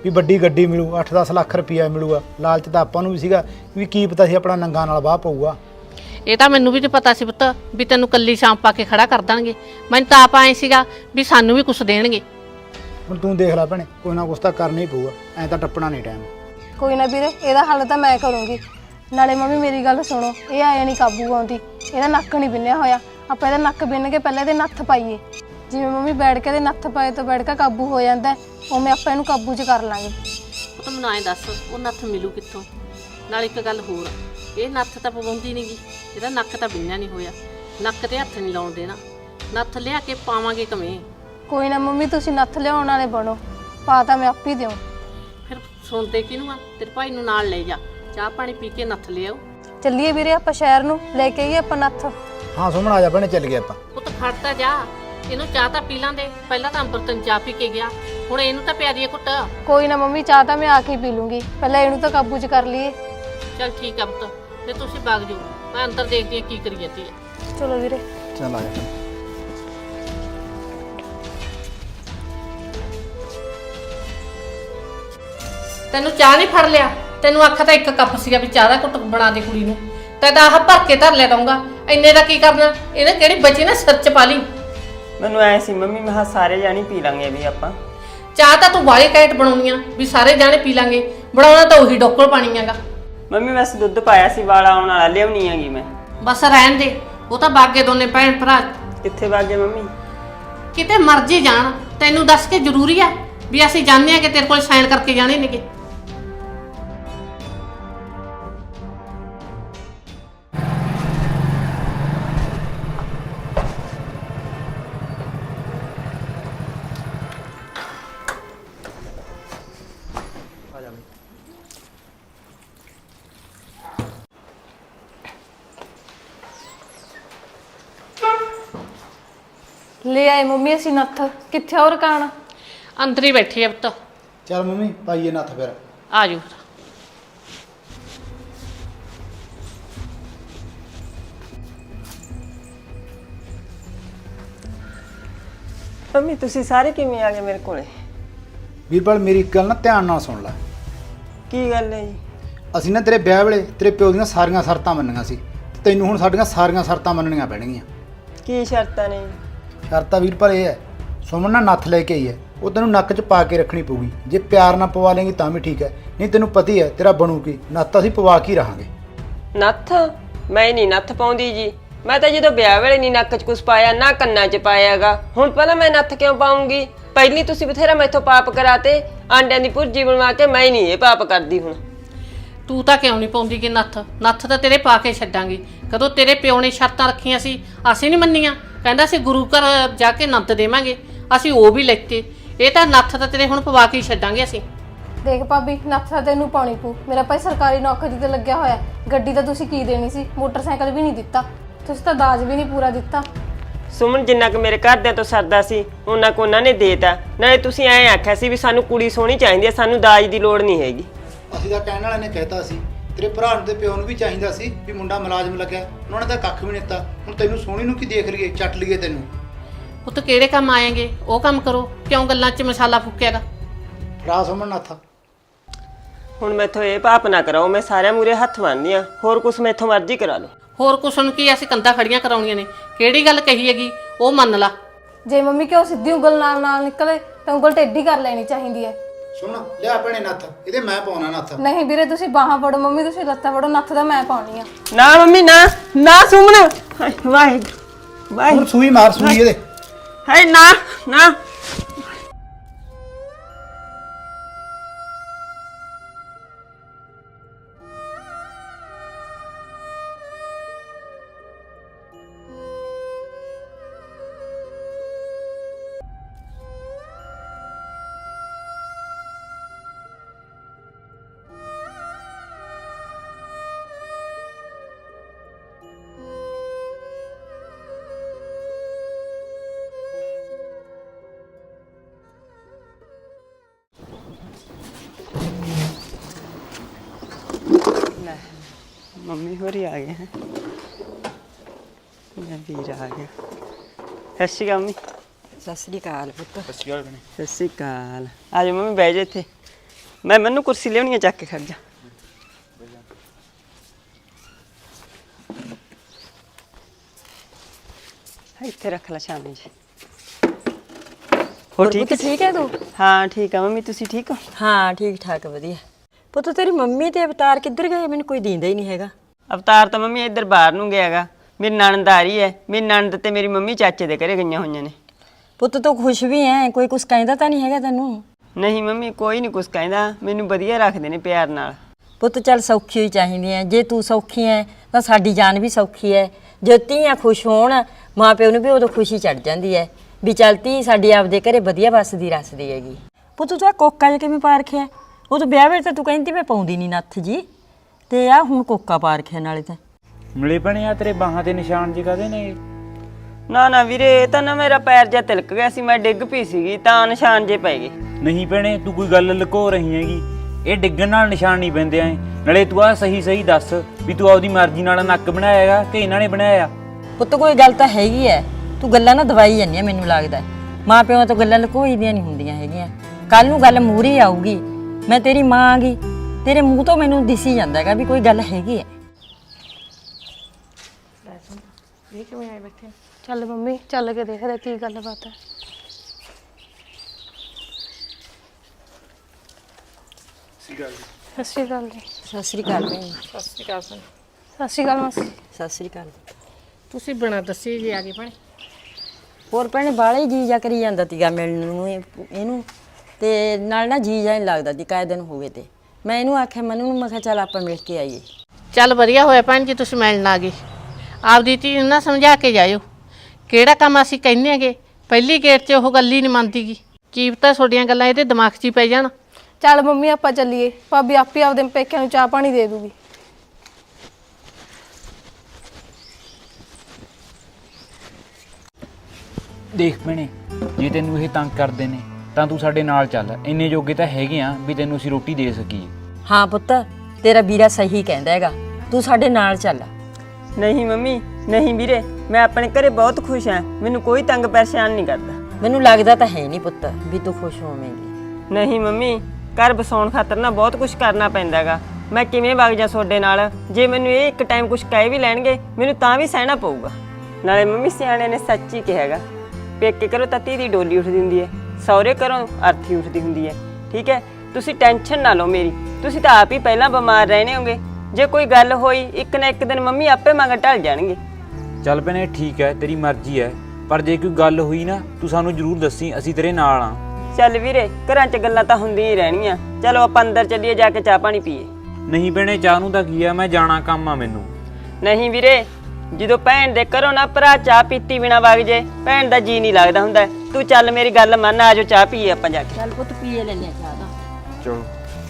Speaker 2: ਵੀ ਵੱਡੀ ਗੱਡੀ ਮਿਲੂ 8-10 ਲੱਖ ਰੁਪਈਆ ਮਿਲੂਗਾ। ਲਾਲਚ ਤਾਂ ਆਪਾਂ ਨੂੰ ਵੀ ਸੀਗਾ ਵੀ ਕੀ ਪਤਾ ਸੀ ਆਪਣਾ ਨੰਗਾ ਨਾਲ ਵਾਹ ਪਊਗਾ।
Speaker 4: ਇਹ ਤਾਂ ਮੈਨੂੰ ਵੀ ਤੇ ਪਤਾ ਸੀ ਪੁੱਤ ਵੀ ਤੈਨੂੰ ਕੱਲੀ ਸ਼ਾਮ ਪਾ ਕੇ ਖੜਾ ਕਰ ਦੇਣਗੇ। ਮੈਨੂੰ ਤਾਂ ਆਪ ਐ ਸੀਗਾ ਵੀ ਸਾਨੂੰ ਵੀ ਕੁਛ ਦੇਣਗੇ।
Speaker 2: ਹੁਣ ਤੂੰ ਦੇਖ ਲੈ ਭੈਣੇ, ਕੋਈ ਨਾ ਕੁਛ ਤਾਂ ਕਰਨਾ ਹੀ ਪਊਗਾ, ਐਂ ਤਾਂ ਟੱਪਣਾ ਨਹੀਂ ਟਾਈਮ।
Speaker 1: ਕੋਈ ਨਾ ਵੀਰੇ, ਇਹਦਾ ਹੱਲ ਤਾਂ ਮੈਂ ਕਰੂੰਗੀ। ਨਾਲੇ ਮੰਮੀ ਮੇਰੀ ਗੱਲ ਸੁਣੋ, ਇਹ ਆਇਆ ਨਹੀਂ ਕਾਬੂ ਆਉਂਦੀ, ਇਹਦਾ ਨੱਕ ਨਹੀਂ ਬਿੰਨਿਆ ਹੋਇਆ। ਆਪਾਂ ਇਹਦਾ ਨੱਕ ਬਿੰਨ ਕੇ ਪਹਿਲਾਂ ਇਹਦੇ ਨੱਥ ਪਾਈਏ। ਜਿਵੇਂ ਮੰਮੀ ਬੈਠ ਕੇ ਇਹਦੇ ਨੱਥ ਪਾਏ ਤੋਂ ਬੈਠ ਕੇ ਕਾਬੂ ਹੋ ਜਾਂਦਾ, ਉਵੇਂ ਆਪਾਂ ਇਹਨੂੰ ਕਾਬੂ 'ਚ ਕਰ ਲਾਂਗੇ।
Speaker 4: ਉਹ ਤਾਂ ਮੈਨੂੰ ਐਂ ਦੱਸ ਉਹ ਨੱਥ ਮਿਲੂ ਕਿੱਥੋਂ? ਨਾਲ ਇੱਕ ਗੱਲ ਹੋਰ, ਇਹ ਨੱਥ ਤਾਂ ਪਵਾਉਂਦੀ ਨਹੀਂਗੀ, ਇਹਦਾ ਨੱਕ ਤਾਂ ਬਿੰਨਿਆ ਨਹੀਂ ਹੋਇਆ, ਨੱਕ ਤੇ ਹੱਥ ਨਹੀਂ ਲਾਉਣ ਦੇਣਾ। ਨੱਥ ਲਿਆ ਕੇ ਪਾਵਾਂਗੇ ਕਿਵੇਂ?
Speaker 1: ਕੋਈ ਨਾ ਮੰਮੀ, ਤੁਸੀਂ ਨੱਥ ਲਿਆਉਣ ਵਾਲੇ ਬਣੋ, ਪਾ ਤਾਂ ਮੈਂ ਆਪ ਹੀ ਦਿਉ।
Speaker 4: ਫਿਰ ਸੁਣਦੇ ਕਿਹਨੂੰ ਆ? ਤੇਰੇ ਭਾਈ ਨੂੰ ਨਾਲ ਲੈ ਜਾ, ਚਾਹ ਪਾਣੀ ਪੀ ਕੇ ਨੱਥ ਲਿਆਓ।
Speaker 1: ਚੱਲੀਏ ਵੀਰੇ, ਆਪਾਂ ਸ਼ਹਿਰ ਨੂੰ ਲੈ ਕੇ ਆਈਏ ਆਪਾਂ ਨੱਥ।
Speaker 2: ਹਾਂ ਸੁਮਨ ਆ ਜਾ ਭੈਣੇ, ਚੱਲ ਗਏ ਆਪਾਂ।
Speaker 4: ਉਹ ਤਾਂ ਖੜਦਾ ਜਾ, ਇਹਨੂੰ ਚਾਹ ਤਾਂ ਪੀ ਲਾਂਦੇ। ਪਹਿਲਾਂ ਤਾਂ ਅੰਬਰਤ ਨੂੰ ਚਾਹ ਪੀ ਕੇ ਗਿਆ, ਹੁਣ ਇਹਨੂੰ ਤਾਂ ਪਿਆ ਦੀਏ ਘੁੱਟ।
Speaker 1: ਕੋਈ ਨਾ ਮੰਮੀ, ਚਾਹ ਤਾਂ ਮੈਂ ਆ ਕੇ ਪੀ ਲੂੰਗੀ, ਪਹਿਲਾਂ ਇਹਨੂੰ ਤਾਂ ਕਾਬੂ 'ਚ ਕਰ ਲਈਏ।
Speaker 4: ਚਲ ਠੀਕ ਆ ਪੁੱਤ, ਤੇ ਤੁਸੀਂ ਵਗ ਜਾਓ, ਮੈਂ ਅੰਦਰ ਦੇਖਦੀ ਆ ਕੀ ਕਰੀ ਜਾਂਦੀ ਆ।
Speaker 1: ਚਲੋ ਵੀਰੇ।
Speaker 2: ਚੱਲ ਆ ਜਾ।
Speaker 4: ਤੈਨੂੰ ਚਾਹ ਨਹੀਂ ਫੜ ਲਿਆ? ਤੈਨੂੰ ਆਖਾ ਤਾਂ ਇੱਕ ਕੱਪ ਸੀਗਾ ਵੀ ਚਾਹ ਦਾ ਘੁੱਟ ਬਣਾ ਦੇ ਕੁੜੀ ਨੂੰ, ਤੇ ਤਾਂ ਆਹ ਭਰ ਕੇ ਧਰ ਲਿਆ ਦਊਂਗਾ। ਇੰਨੇ ਦਾ ਕੀ ਕਰਨਾ? ਇਹਨੇ ਕਿਹੜੀ ਬਚੀ ਨਾ ਸਿਰ 'ਚ ਪਾ ਲਈ।
Speaker 3: ਮੈਨੂੰ ਐ ਸੀ ਮੰਮੀ, ਮੈਂ ਕਿਹਾ ਸਾਰੇ ਜਾਣੀ ਪੀ ਲਾਂਗੇ ਵੀ ਆਪਾਂ।
Speaker 4: ਚਾਹ ਤਾਂ ਤੂੰ ਵਾਲੀ ਕੈਟ ਬਣਾਉਣੀ ਆ ਵੀ ਸਾਰੇ ਜਾਣੇ ਪੀ ਲਾਂਗੇ, ਬਣਾਉਣਾ ਤਾਂ ਉਹੀ ਡੋਕਲ ਪਾਣੀ ਹੈਗਾ।
Speaker 3: ਮੰਮੀ ਵੈਸੇ ਦੁੱਧ ਪਾਇਆ ਸੀ, ਵਾਲਾ ਆਉਣ ਵਾਲਾ, ਲਿਆਉਣੀ ਹੈਗੀ ਮੈਂ।
Speaker 4: ਬਸ ਰਹਿਣ ਦੇ, ਉਹ ਤਾਂ ਬਾਗੇ ਦੋਨੇ ਭੈਣ ਭਰਾ
Speaker 3: ਕਿੱਥੇ ਵਾਗੇ ਮੰਮੀ?
Speaker 4: ਕਿਤੇ ਮਰਜੀ ਜਾਣ। ਤੈਨੂੰ ਦੱਸ ਕੇ ਜ਼ਰੂਰੀ ਆ ਵੀ ਅਸੀਂ ਜਾਣਦੇ ਆ ਕਿ ਤੇਰੇ ਕੋਲ ਸਾਈਨ ਕਰਕੇ ਜਾਣੇ ਨੇਗੇ?
Speaker 1: ਲੈ ਆਏ ਮੰਮੀ ਅਸੀਂ ਨੱਥ, ਕਿੱਥੇ ਹੋਰ ਕਾਣ?
Speaker 4: ਅੰਦਰ ਹੀ ਬੈਠੀ ਆ ਪੁੱਤ।
Speaker 2: ਚੱਲ ਮੰਮੀ ਪਾਈਏ ਨੱਥ ਫਿਰ।
Speaker 4: ਆ ਜਾਓ।
Speaker 3: ਮੰਮੀ ਤੁਸੀਂ ਸਾਰੇ ਕਿਵੇਂ ਆ ਗਏ ਮੇਰੇ ਕੋਲੇ?
Speaker 2: ਵੀਰਪਾਲ ਮੇਰੀ ਇੱਕ ਗੱਲ ਨਾ ਧਿਆਨ ਨਾਲ ਸੁਣ ਲੈ।
Speaker 3: ਕੀ ਗੱਲ ਹੈ ਜੀ?
Speaker 2: ਅਸੀਂ ਨਾ ਤੇਰੇ ਵਿਆਹ ਵੇਲੇ ਤੇਰੇ ਪਿਓ ਦੀਆਂ ਸਾਰੀਆਂ ਸ਼ਰਤਾਂ ਮੰਨੀਆਂ ਸੀ, ਤੇ ਤੈਨੂੰ ਹੁਣ ਸਾਡੀਆਂ ਸਾਰੀਆਂ ਸ਼ਰਤਾਂ ਮੰਨਣੀਆਂ ਪੈਣਗੀਆਂ।
Speaker 3: ਕੀ ਸ਼ਰਤਾਂ ਨੇ?
Speaker 2: ਸ਼ਰਤਾਂ ਵੀਰਪਾਲ ਇਹ ਹੈ, ਸੁਮਨ ਨਾ ਨੱਥ ਲੈ ਕੇ ਆਈ ਹੈ, ਉਹ ਤੈਨੂੰ ਨੱਕ 'ਚ ਪਾ ਕੇ ਰੱਖਣੀ ਪਊਗੀ। ਜੇ ਪਿਆਰ ਨਾਲ ਪਵਾ ਲੇਂਗੀ ਤਾਂ ਵੀ ਠੀਕ ਹੈ, ਨਹੀਂ ਤੈਨੂੰ ਪਤੀ ਹੈ ਤੇਰਾ ਬਣੂ ਕੀ, ਨੱਥ ਅਸੀਂ ਪਵਾ ਕੇ ਹੀ ਰਹਾਂਗੇ।
Speaker 3: ਨੱਥ? ਮੈਂ ਨਹੀਂ ਨੱਥ ਪਾਉਂਦੀ ਜੀ। ਮੈਂ ਤਾਂ ਜਦੋਂ ਵਿਆਹ ਵੇਲੇ ਨਹੀਂ ਨੱਕ 'ਚ ਕੁਛ ਪਾਇਆ, ਨਾ ਕੰਨਾਂ 'ਚ ਪਾਇਆਗਾ। ਹੁਣ ਪਹਿਲਾਂ ਮੈਂ ਨੱਥ ਕਿਉਂ ਪਾਉਂਗੀ? ਪਹਿਲੀ ਤੁਸੀਂ ਬਥੇਰਾ ਮੈਥੋਂ ਪਾਪ ਕਰਾਤੇ, ਆਂਡਿਆਂ ਦੀ ਭੁਰਜੀ ਬਣਵਾ ਕੇ। ਮੈਂ ਨਹੀਂ ਇਹ ਪਾਪ ਕਰਦੀ ਹੁਣ।
Speaker 4: ਤੂੰ ਤਾਂ ਕਿਉਂ ਨਹੀਂ ਪਾਉਂਦੀ ਕਿ ਨੱਥ? ਨੱਥ ਤਾਂ ਤੇਰੇ ਪਾ ਕੇ ਛੱਡਾਂਗੇ। ਕਦੋਂ ਤੇਰੇ ਪਿਓ ਨੇ ਸ਼ਰਤਾਂ ਰੱਖੀਆਂ ਸੀ ਅਸੀਂ ਨਹੀਂ ਮੰਨੀਆਂ? ਕਹਿੰਦਾ ਸੀ ਗੁਰੂ ਘਰ ਜਾ ਕੇ ਨੱਥ ਦੇਵਾਂਗੇ, ਅਸੀਂ ਉਹ ਵੀ ਲੈਤੇ। ਇਹ ਤਾਂ ਨੱਥ ਤਾਂ ਤੇਰੇ ਹੁਣ ਪਵਾ ਕੇ ਹੀ ਛੱਡਾਂਗੇ ਅਸੀਂ।
Speaker 1: ਦੇਖ ਭਾਬੀ, ਨੱਥ ਤਾਂ ਤੈਨੂੰ ਪਾਉਣੀ ਪਊ। ਮੇਰਾ ਭਾਈ ਸਰਕਾਰੀ ਨੌਕਰੀ ਤੇ ਲੱਗਿਆ ਹੋਇਆ, ਗੱਡੀ ਤਾਂ ਤੁਸੀਂ ਕੀ ਦੇਣੀ ਸੀ, ਮੋਟਰਸਾਈਕਲ ਵੀ ਨਹੀਂ ਦਿੱਤਾ, ਤੁਸੀਂ ਤਾਂ ਦਾਜ ਵੀ ਨਹੀਂ ਪੂਰਾ ਦਿੱਤਾ।
Speaker 3: ਸੁਮਨ ਜਿੰਨਾ ਕੁ ਮੇਰੇ ਘਰਦਿਆਂ ਤੋਂ ਸਰਦਾ ਸੀ ਉਹਨਾਂ ਕੋ ਉਹਨਾਂ ਨੇ ਦੇਤਾ। ਨਾਲੇ ਤੁਸੀਂ ਐਂ ਆਖਿਆ ਸੀ ਵੀ ਸਾਨੂੰ ਕੁੜੀ ਸੋਹਣੀ ਚਾਹੀਦੀ ਹੈ, ਸਾਨੂੰ ਦਾਜ ਦੀ ਲੋੜ ਨਹੀਂ ਹੈਗੀ।
Speaker 2: ਅਸੀਂ ਤਾਂ ਕਹਿਣ ਵਾਲਿਆਂ ਨੇ ਕਹਿਤਾ ਸੀ, ਤੇਰੇ ਭਰਾ ਨੂੰ ਤੇ ਪਿਓ ਨੂੰ ਵੀ ਚਾਹੀਦਾ ਸੀ ਵੀ ਮੁੰਡਾ ਮੁਲਾਜ਼ਮ ਲੱਗਿਆ, ਉਹਨਾਂ ਨੇ ਤਾਂ ਕੱਖ ਵੀ ਨਹੀਂ ਦਿੱਤਾ। ਹੁਣ ਤੈਨੂੰ ਸੋਹਣੀ ਨੂੰ ਕੀ ਦੇਖ ਲਈਏ, ਚੱਟ ਲਈਏ ਤੈਨੂੰ।
Speaker 4: ਉਹ ਤਾਂ ਕਿਹੜੇ ਕੰਮ ਆਏਗੇ? ਉਹ ਕੰਮ ਕਰੋ, ਕਿਉਂ ਗੱਲਾਂ 'ਚ ਮਸਾਲਾ ਫੂਕਿਆਗਾ?
Speaker 2: ਫੜਾ ਸੁਮਨ ਨੱਥ।
Speaker 3: ਹੁਣ ਮੈਥੋਂ ਇਹ ਪਾਪ ਨਾ ਕਰਾਓ, ਮੈਂ ਸਾਰਿਆਂ ਮੂਰੇ ਹੱਥ ਬੰਨ੍ਹਦੀ ਆ। ਹੋਰ ਕੁਛ ਮੈਥੋਂ ਮਰਜ਼ੀ ਕਰਾ ਲਓ।
Speaker 4: ਹੋਰ ਕੁਛ ਨੂੰ ਕੀ ਅਸੀਂ ਕੰਧਾਂ ਖੜੀਆਂ ਕਰਾਉਣੀਆਂ ਨੇ? ਕਿਹੜੀ ਗੱਲ ਕਹੀ ਹੈਗੀ ਉਹ ਮੰਨ ਲਾ।
Speaker 1: ਜੇ ਮੰਮੀ ਕਿਉਂ ਸਿੱਧੀ ਉਂਗਲ ਨਾਲ ਨਿਕਲੇ ਤਾਂ ਉਂਗਲ ਟੇਢੀ ਕਰ ਲੈਣੀ ਚਾਹੀਦੀ ਹੈ।
Speaker 2: ਸੁਣ ਲਿਆ ਭੈਣੇ ਨੱਥ, ਇਹਦੇ ਮੈਂ ਪਾਉਣਾ ਨੱਥ।
Speaker 1: ਨਹੀਂ ਵੀਰੇ, ਤੁਸੀਂ ਬਾਹਾਂ ਫੜੋ, ਮੰਮੀ ਤੁਸੀਂ ਲੱਤਾਂ ਫੜੋ, ਨੱਥ ਤਾਂ ਮੈਂ ਪਾਉਣੀ ਆ।
Speaker 3: ਨਾ ਮੰਮੀ ਨਾ, ਨਾ ਸੁਮਨ। ਹਾਏ ਵਾਹਿਗੁਰੂ ਵਾਹਿਗੁਰੂ।
Speaker 2: ਹੁਣ ਸੂਈ ਮਾਰ, ਸੂਈ ਇਹਦੇ।
Speaker 3: ਹਾਏ ਨਾ ਨਾ। ਮੰਮੀ ਹੋਰੀ ਆ ਗਏ ਹੈ। ਮੈਂ ਵੀਰ ਆ ਗਿਆ। ਸਤਿ ਸ਼੍ਰੀ ਅਕਾਲ ਮੰਮੀ।
Speaker 7: ਸਤਿ ਸ੍ਰੀ ਅਕਾਲ ਪੁੱਤ।
Speaker 3: ਸਤਿ ਸ਼੍ਰੀ ਅਕਾਲ। ਆ ਜਾਓ ਮੰਮੀ, ਬਹਿ ਜਾ ਇੱਥੇ। ਮੈਂ ਮੈਨੂੰ ਕੁਰਸੀ ਲਿਆਉਣੀ ਆ, ਚੱਕ ਕੇ ਖੜ ਜਾ। ਇੱਥੇ ਰੱਖ ਲੈ ਸ਼ਾਮੀ ਜੀ। ਹੋ ਠੀਕ
Speaker 7: ਠੀਕ ਹੈ ਤੂੰ?
Speaker 3: ਹਾਂ ਠੀਕ ਆ ਮੰਮੀ, ਤੁਸੀਂ ਠੀਕ ਹੋ?
Speaker 7: ਹਾਂ ਠੀਕ ਠਾਕ ਵਧੀਆ। ਪੁੱਤ ਤੇਰੀ ਮੰਮੀ ਤੇ ਅਵਤਾਰ ਕਿੱਧਰ ਗਏ? ਮੈਨੂੰ ਕੋਈ ਦੀਂਦਾ ਹੀ ਨਹੀਂ ਹੈਗਾ।
Speaker 3: ਅਵਤਾਰ ਤਾਂ ਮੰਮੀ ਇੱਧਰ ਬਾਹਰ ਨੂੰ ਗਿਆਗਾ। ਮੇਰੀ ਨਣਦ ਆ ਰਹੀ ਹੈ, ਮੇਰੀ ਨਣਦ ਤੇ ਮੇਰੀ ਮੰਮੀ ਚਾਚੇ ਦੇ ਘਰੇ ਗਈਆਂ ਹੋਈਆਂ ਨੇ।
Speaker 7: ਪੁੱਤ ਤੂੰ ਖੁਸ਼ ਵੀ ਐ? ਕੋਈ ਕੁਛ ਕਹਿੰਦਾ ਤਾਂ ਨਹੀਂ ਹੈਗਾ ਤੈਨੂੰ?
Speaker 3: ਨਹੀਂ ਮੰਮੀ, ਕੋਈ ਨਹੀਂ ਕੁਛ ਕਹਿੰਦਾ, ਮੈਨੂੰ ਵਧੀਆ ਰੱਖਦੇ ਨੇ ਪਿਆਰ ਨਾਲ।
Speaker 7: ਪੁੱਤ ਚੱਲ ਸੌਖੀ ਹੋਈ ਚਾਹੀਦੀ ਐ। ਜੇ ਤੂੰ ਸੌਖੀ ਐ ਤਾਂ ਸਾਡੀ ਜਾਨ ਵੀ ਸੌਖੀ ਐ। ਜੇ ਧੀਆਂ ਖੁਸ਼ ਹੋਣ ਮਾਂ ਪਿਓ ਨੂੰ ਵੀ ਉਦੋਂ ਖੁਸ਼ੀ ਚੜ ਜਾਂਦੀ ਐ ਵੀ ਚੱਲ ਧੀ ਸਾਡੀ ਆਪਦੇ ਘਰੇ ਵਧੀਆ ਵੱਸਦੀ ਰਸਦੀ ਹੈਗੀ। ਪੁੱਤ ਤੂੰ ਆ ਕੋਕਾ ਜਿਹਾ ਕਿਵੇਂ ਪਾ ਰੱਖਿਆ? ਉਹ ਤਾਂ ਵਿਆਹ ਵੇਲੇ ਤਾਂ ਤੂੰ ਕਹਿੰਦੀ ਮੈਂ ਪਾਉਂਦੀ ਨਹੀਂ ਨੱਥ ਜੀ, ਤੇ ਆ ਹੁਣ ਕੋਕਾ ਪਾ ਰੱਖਿਆ ਨਾਲੇ ਤਾਂ।
Speaker 2: ਮਿਲੇ ਬਣਿਆ ਤੇਰੇ ਬਾਹਾਂ ਤੇ ਨਿਸ਼ਾਨ ਜੀ ਕਾਦੇ ਨੇ?
Speaker 3: ਨਾ ਨਾ ਵੀਰੇ, ਇਹ ਤਾਂ ਨਾ ਮੇਰਾ ਪੈਰ ਜਿਹਾ ਤਿਲਕ ਗਿਆ ਸੀ, ਮੈਂ ਡਿੱਗ ਪਈ ਸੀਗੀ ਤਾਂ ਨਿਸ਼ਾਨ ਜੇ ਪੈ ਗਏ।
Speaker 2: ਨਹੀਂ ਭੈਣੇ, ਤੂੰ ਕੋਈ ਗੱਲ ਲੁਕੋ ਰਹੀ ਹੈਗੀ। ਇਹ ਡਿੱਗਣ ਨਾਲ ਨਿਸ਼ਾਨ ਨਹੀਂ ਪੈਂਦੇ ਐ। ਨਾਲੇ ਤੂੰ ਆ ਸਹੀ ਦੱਸ ਵੀ ਤੂੰ ਆਪਦੀ ਮਰਜ਼ੀ ਨਾਲ ਨੱਕ ਬਣਾਇਆਗਾ ਕਿ ਇਹਨਾਂ ਨੇ ਬਣਾਇਆ?
Speaker 7: ਪੁੱਤ ਕੋਈ ਗੱਲ ਤਾਂ ਹੈਗੀ ਐ, ਤੂੰ ਗੱਲਾਂ ਨਾ ਦਵਾਈ ਜਾਂਦੀ ਆ ਮੈਨੂੰ ਲੱਗਦਾ। ਮਾਂ ਪਿਓ ਤੋਂ ਗੱਲਾਂ ਲੁਕੋਈ ਦੀਆਂ ਨਹੀਂ ਹੁੰਦੀਆਂ ਹੈਗੀਆਂ। ਕੱਲ ਨੂੰ ਗੱਲ ਮੂਹਰੇ ਆਊਗੀ, ਮੈਂ ਤੇਰੀ ਮਾਂ ਆਂਗੀ, ਤੇਰੇ ਮੂੰਹ ਤੋਂ ਮੈਨੂੰ ਦਿਸੀ ਜਾਂਦਾ ਹੈਗਾ ਵੀ ਕੋਈ ਗੱਲ ਹੈਗੀ ਐ।
Speaker 1: ਚੱਲ ਮੰਮੀ, ਚੱਲ ਕੇ ਦੇਖਦੇ ਕੀ ਗੱਲਬਾਤ ਹੈ। ਸਤਿ ਸ਼੍ਰੀ ਅਕਾਲ ਜੀ।
Speaker 7: ਸਤਿ ਸ੍ਰੀ ਅਕਾਲ ਭੈਣ।
Speaker 1: ਸਤਿ ਸ਼੍ਰੀ ਅਕਾਲ ਮਾਸੀ।
Speaker 7: ਸਤਿ ਸ੍ਰੀ ਅਕਾਲ।
Speaker 4: ਤੁਸੀਂ ਬਣਾ ਦੱਸੀ ਜੀ ਆ ਗਏ ਭੈਣੇ।
Speaker 7: ਹੋਰ ਭੈਣੇ ਬਾਲੇ ਜੀ ਜਾ ਕਰੀ ਜਾਂਦਾ ਤੀਗਾ ਮਿਲਣ ਨੂੰ ਇਹਨੂੰ, ਤੇ ਨਾਲ ਨਾ ਜੀ ਜਾ ਨਹੀਂ ਲੱਗਦਾ ਤੀ ਕਾਇ ਦਿਨ ਹੋ ਗਏ। ਤੇ ਮੈਂ ਇਹਨੂੰ ਆਖਿਆ ਮਨੂੰ ਨੂੰ, ਮੈਂ ਕਿਹਾ ਚੱਲ ਆਪਾਂ ਮਿਲ ਕੇ ਆਈਏ।
Speaker 4: ਚੱਲ ਵਧੀਆ ਹੋਇਆ ਭੈਣ ਜੀ ਤੁਸੀਂ ਮਿਲਣ ਆ ਗਏ। ਆਪਦੀ ਧੀ ਨੂੰ ਨਾ ਸਮਝਾ ਕੇ ਜਾਇਓ, ਕਿਹੜਾ ਕੰਮ ਅਸੀਂ ਕਹਿੰਦੇ ਹੈਗੇ ਪਹਿਲੀ ਗੇਟ 'ਚ ਉਹ ਗੱਲ ਹੀ ਨਹੀਂ ਮੰਨਦੀਗੀ। ਕੀ ਪਤਾ ਤੁਹਾਡੀਆਂ ਗੱਲਾਂ ਇਹਦੇ ਦਿਮਾਗ 'ਚ ਹੀ ਪੈ ਜਾਣ।
Speaker 1: ਚੱਲ ਮੰਮੀ ਆਪਾਂ ਚੱਲੀਏ, ਭਾਬੀ ਆਪੇ ਆਪਦੇ ਪੇਕਿਆਂ ਨੂੰ ਚਾਹ ਪਾਣੀ ਦੇ ਦੂਗੀ।
Speaker 2: ਦੇਖ ਭੈਣੇ, ਜੇ ਤੈਨੂੰ ਇਹ ਤੰਗ ਕਰਦੇ ਨੇ ਤਾਂ ਤੂੰ ਸਾਡੇ ਨਾਲ ਚੱਲ। ਇੰਨੇ ਜੋਗੇ ਤਾਂ ਹੈਗੇ ਆ ਵੀ ਤੈਨੂੰ ਅਸੀਂ ਰੋਟੀ ਦੇ ਸਕੀਏ।
Speaker 7: ਹਾਂ ਪੁੱਤ, ਤੇਰਾ ਵੀਰਾ ਸਹੀ ਕਹਿੰਦਾ ਹੈਗਾ, ਤੂੰ ਸਾਡੇ ਨਾਲ ਚੱਲ।
Speaker 3: ਨਹੀਂ ਮੰਮੀ, ਨਹੀਂ ਵੀਰੇ, ਮੈਂ ਆਪਣੇ ਘਰੇ ਬਹੁਤ ਖੁਸ਼ ਹਾਂ, ਮੈਨੂੰ ਕੋਈ ਤੰਗ ਪਰੇਸ਼ਾਨ ਨਹੀਂ ਕਰਦਾ।
Speaker 7: ਮੈਨੂੰ ਲੱਗਦਾ ਤਾਂ ਹੈ ਨਹੀਂ ਪੁੱਤ ਵੀ ਤੂੰ ਖੁਸ਼ ਹੋਵੇਂਗੀ।
Speaker 3: ਨਹੀਂ ਮੰਮੀ, ਘਰ ਬਸਾਉਣ ਖਾਤਰ ਨਾ ਬਹੁਤ ਕੁਝ ਕਰਨਾ ਪੈਂਦਾਗਾ। ਮੈਂ ਕਿਵੇਂ ਵਗ ਜਾ ਤੁਹਾਡੇ ਨਾਲ? ਜੇ ਮੈਨੂੰ ਇਹ ਇੱਕ ਟਾਈਮ ਕੁਝ ਕਹਿ ਵੀ ਲੈਣਗੇ ਮੈਨੂੰ ਤਾਂ ਵੀ ਸਹਿਣਾ ਪਊਗਾ। ਨਾਲੇ ਮੰਮੀ ਸਿਆਣੇ ਨੇ ਸੱਚ ਹੀ ਕਿਹਾਗਾ, ਪੇਕੇ ਕਰੋ ਤਾਂ ਧੀ ਦੀ ਡੋਲੀ ਉੱਠਦੀ ਹੁੰਦੀ ਹੈ, ਸਹੁਰੇ ਕਰੋ ਅਰਥੀ ਉੱਠਦੀ ਹੁੰਦੀ ਹੈ। ਠੀਕ ਹੈ, ਤੁਸੀਂ ਟੈਨਸ਼ਨ ਨਾ ਲਓ ਮੇਰੀ, ਤੁਸੀਂ ਤਾਂ ਆਪ ਹੀ ਪਹਿਲਾਂ ਬਿਮਾਰ ਰਹਿਣੇ ਹੋਗੇ। ਜੇ ਕੋਈ ਗੱਲ ਹੋਈ ਇੱਕ ਨਾ ਇੱਕ ਦਿਨ ਮੰਮੀ ਆਪੇ ਮੰਗ ਢਲ ਜਾਣਗੇ।
Speaker 2: ਚੱਲ ਭੈਣੇ ਠੀਕ ਹੈ, ਤੇਰੀ ਮਰਜ਼ੀ ਹੈ, ਪਰ ਜੇ ਕੋਈ ਗੱਲ ਹੋਈ ਨਾ ਤੂੰ ਸਾਨੂੰ ਜ਼ਰੂਰ ਦੱਸੀ, ਅਸੀਂ ਤੇਰੇ ਨਾਲ ਆ।
Speaker 3: ਚੱਲ ਵੀਰੇ, ਘਰਾਂ 'ਚ ਗੱਲਾਂ ਤਾਂ ਹੁੰਦੀਆਂ ਹੀ ਰਹਿਣੀਆਂ। ਚਲੋ ਆਪਾਂ ਅੰਦਰ ਚੱਲੀਏ, ਜਾ ਕੇ ਚਾਹ ਪਾਣੀ ਪੀਏ।
Speaker 2: ਨਹੀਂ ਭੈਣੇ, ਚਾਹ ਨੂੰ ਤਾਂ ਕੀ ਆ, ਮੈਂ ਜਾਣਾ ਕੰਮ ਆ ਮੈਨੂੰ।
Speaker 3: ਨਹੀਂ ਵੀਰੇ, ਜਦੋਂ ਭੈਣ ਦੇ ਘਰੋਂ ਨਾ ਭਰਾ ਚਾਹ ਪੀਤੀ ਬਿਨਾ ਵਗ ਜੇ, ਭੈਣ ਦਾ ਜੀ ਨਹੀਂ ਲੱਗਦਾ ਹੁੰਦਾ। ਤੂੰ ਚੱਲ ਮੇਰੀ ਗੱਲ ਮੰਨ, ਆਜੋ ਚਾਹ ਪੀਏ ਆਪਾਂ ਜਾ ਕੇ।
Speaker 7: ਚੱਲ ਪੁੱਤ ਪੀਏ ਲੈਣੇ ਚਾਹ ਦਾ।
Speaker 2: ਚਲੋ।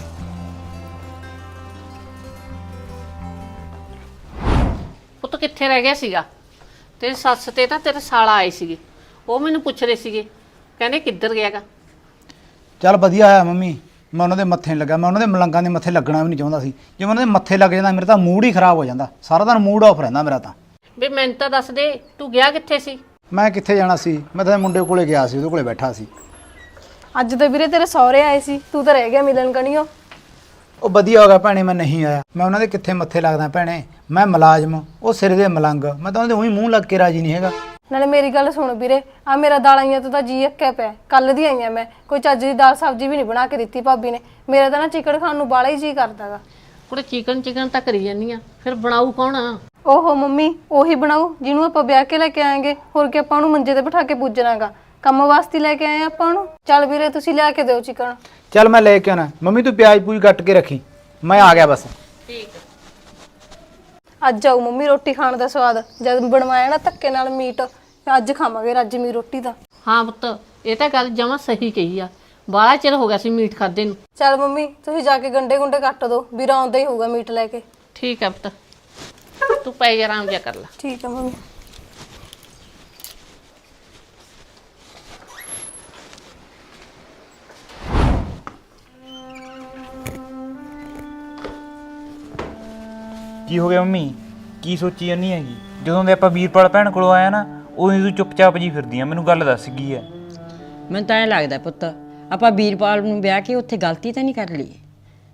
Speaker 4: ਪੁੱਤ ਕਿੱਥੇ ਰਹਿ ਗਿਆ ਸੀਗਾ? ਤੇਰੀ ਸੱਸ ਤੇ ਤਾਂ ਤੇਰੇ ਸਾਲਾ ਆਏ ਸੀਗੇ, ਉਹ ਮੈਨੂੰ ਪੁੱਛ ਰਹੇ ਸੀਗੇ, ਕਹਿੰਦੇ ਕਿੱਧਰ ਗਿਆਗਾ।
Speaker 2: ਚੱਲ ਵਧੀਆ ਹੋਇਆ ਮੰਮੀ, ਮੈਂ ਉਹਨਾਂ ਦੇ ਮੱਥੇ ਨਹੀਂ ਲੱਗਾ। ਮੈਂ ਉਹਨਾਂ ਦੇ ਮਲੰਗਾਂ ਦੇ ਮੱਥੇ ਲੱਗਣਾ ਵੀ ਨਹੀਂ ਚਾਹੁੰਦਾ ਸੀ। ਜੇ ਮੈਂ ਉਹਨਾਂ ਦੇ ਮੱਥੇ ਲੱਗ ਜਾਂਦਾ ਮੇਰਾ ਤਾਂ ਮੂਡ ਹੀ ਖਰਾਬ ਹੋ ਜਾਂਦਾ, ਸਾਰਾ ਦਿਨ ਮੂਡ ਆਫ ਰਹਿੰਦਾ ਮੇਰਾ ਤਾਂ।
Speaker 4: ਵੀ ਮੈਨੂੰ ਤਾਂ ਦੱਸ ਦੇ, ਤੂੰ ਗਿਆ ਕਿੱਥੇ ਸੀ?
Speaker 2: ਮੈਂ ਕਿੱਥੇ ਜਾਣਾ ਸੀ, ਮੈਂ ਤਾਂ ਮੁੰਡੇ ਕੋਲੇ ਗਿਆ ਸੀ, ਉਹਦੇ ਕੋਲੇ ਬੈਠਾ ਸੀ।
Speaker 1: ਅੱਜ ਤਾਂ ਵੀਰੇ ਤੇਰੇ ਸਹੁਰੇ ਆਏ ਸੀ, ਤੂੰ ਤਾਂ ਰਹਿ ਗਿਆ ਮਿਲਣ ਕਣੀਓ।
Speaker 2: ਉਹ ਵਧੀਆ ਹੋ ਗਿਆ ਭੈਣੇ, ਮੈਂ ਨਹੀਂ ਆਇਆ। ਮੈਂ ਉਹਨਾਂ ਦੇ ਕਿੱਥੇ ਮੱਥੇ ਲੱਗਦਾ ਭੈਣੇ, ਮੈਂ ਮੁਲਾਜ਼ਮ, ਉਹ ਸਿਰ ਦੇ ਮਲੰਗ, ਮੈਂ ਤਾਂ ਉਹਦੇ ਉਹੀ ਮੂੰਹ ਲੱਗ ਕੇ ਰਾਜੀ ਨਹੀਂ ਹੈਗਾ।
Speaker 1: ਨਾਲੇ ਮੇਰੀ ਗੱਲ ਸੁਣ ਵੀਰੇ, ਆ ਮੇਰਾ ਦਾਲਾਂ ਤੋਂ ਤਾਂ ਜੀ ਅੱਕਿਆ ਪਿਆ। ਕੱਲ ਦੀ ਆਈਆਂ ਮੈਂ, ਕੋਈ ਚੱਜ ਦੀ ਦਾਲ ਸਬਜ਼ੀ ਵੀ ਨਹੀਂ ਬਣਾ ਕੇ ਦਿੱਤੀ ਭਾਬੀ ਨੇ। ਮੇਰਾ ਤਾਂ ਨਾ ਚਿਕਨ ਖਾਣ ਨੂੰ ਬਾਲਾ ਹੀ ਜੀ ਕਰਦਾਗਾ।
Speaker 4: ਕੁੜੇ ਚਿਕਨ ਤਾਂ ਕਰੀ ਜਾਂਦੀ ਆ, ਫਿਰ ਬਣਾਊ ਕੌਣ ਆ?
Speaker 1: ਓਹੋ ਮੰਮੀ, ਉਹੀ ਬਣਾਓ ਜਿਹਨੂੰ ਆਪਾਂ ਵਿਆਹ ਕੇ ਲੈ ਕੇ ਆਏਂਗੇ। ਹੋਰ ਕੀ ਆਪਾਂ ਉਹਨੂੰ ਮੰਜੇ ਤੇ ਬਿਠਾ ਕੇ ਪੂਜਣਾਗਾ? ਕੰਮ ਵਾਸਤੇ ਲੈ ਕੇ ਆਏ ਆਪਾਂ ਉਹਨੂੰ। ਚੱਲ ਵੀਰੇ ਤੁਸੀਂ ਲਿਆ ਕੇ ਦਿਓ ਚਿਕਨ।
Speaker 2: ਚੱਲ ਮੈਂ ਲੈ ਕੇ ਆਉਣਾ। ਮੰਮੀ ਤੂੰ ਪਿਆਜ਼ ਪੂਜ ਕੱਟ ਕੇ ਰੱਖੀ, ਮੈਂ ਆ ਗਿਆ ਬਸ।
Speaker 4: ਠੀਕ।
Speaker 1: ਅੱਜ ਆਊ ਮੰਮੀ ਰੋਟੀ ਖਾਣ ਦਾ ਸਵਾਦ, ਜਦ ਬਣਵਾਇਆ ਨਾ ਧੱਕੇ ਨਾਲ ਮੀਟ, ਅੱਜ ਖਾਵਾਂਗੇ ਰੱਜਵੀਂ ਰੋਟੀ ਦਾ।
Speaker 4: ਹਾਂ ਪੁੱਤ, ਇਹ ਤਾਂ ਗੱਲ ਜਮਾਂ ਸਹੀ ਕਹੀ ਆ, ਬਾਹਲਾ ਚਿਰ ਹੋ ਗਿਆ ਸੀ ਮੀਟ ਖਾਦੇ ਨੂੰ।
Speaker 1: ਚੱਲ ਮੰਮੀ ਤੁਸੀਂ ਜਾ ਕੇ ਗੰਡੇ ਗੁੰਡੇ ਕੱਟ ਦਿਓ, ਵੀਰਾ ਆਉਂਦਾ ਹੀ ਹੋਊਗਾ ਮੀਟ ਲੈ ਕੇ।
Speaker 4: ਠੀਕ ਆ ਪੁੱਤ, ਤੂੰ ਪੈ ਜਾ, ਆਰਾਮ ਜਿਹਾ ਕਰ ਲੈ।
Speaker 1: ਠੀਕ ਆ ਮੰਮੀ।
Speaker 2: ਕੀ ਹੋ ਗਿਆ ਮੰਮੀ, ਕੀ ਸੋਚੀ ਜਾਂਦੀ ਹੈਗੀ? ਜਦੋਂ ਦੇ ਆਪਾਂ ਵੀਰਪਾਲ ਭੈਣ ਕੋਲੋਂ ਆਇਆ ਨਾ, ਉਦੋਂ ਤੂੰ ਚੁੱਪਚਾਪ ਜੀ ਫਿਰਦੀ ਆ। ਮੈਨੂੰ ਗੱਲ ਦੱਸ ਕੀ ਹੈ?
Speaker 7: ਮੈਨੂੰ ਤਾਂ ਐਂ ਲੱਗਦਾ ਪੁੱਤ ਆਪਾਂ ਵੀਰਪਾਲ ਨੂੰ ਵਿਆਹ ਕੇ ਉੱਥੇ ਗਲਤੀ ਤਾਂ ਨਹੀਂ ਕਰ ਲਈ।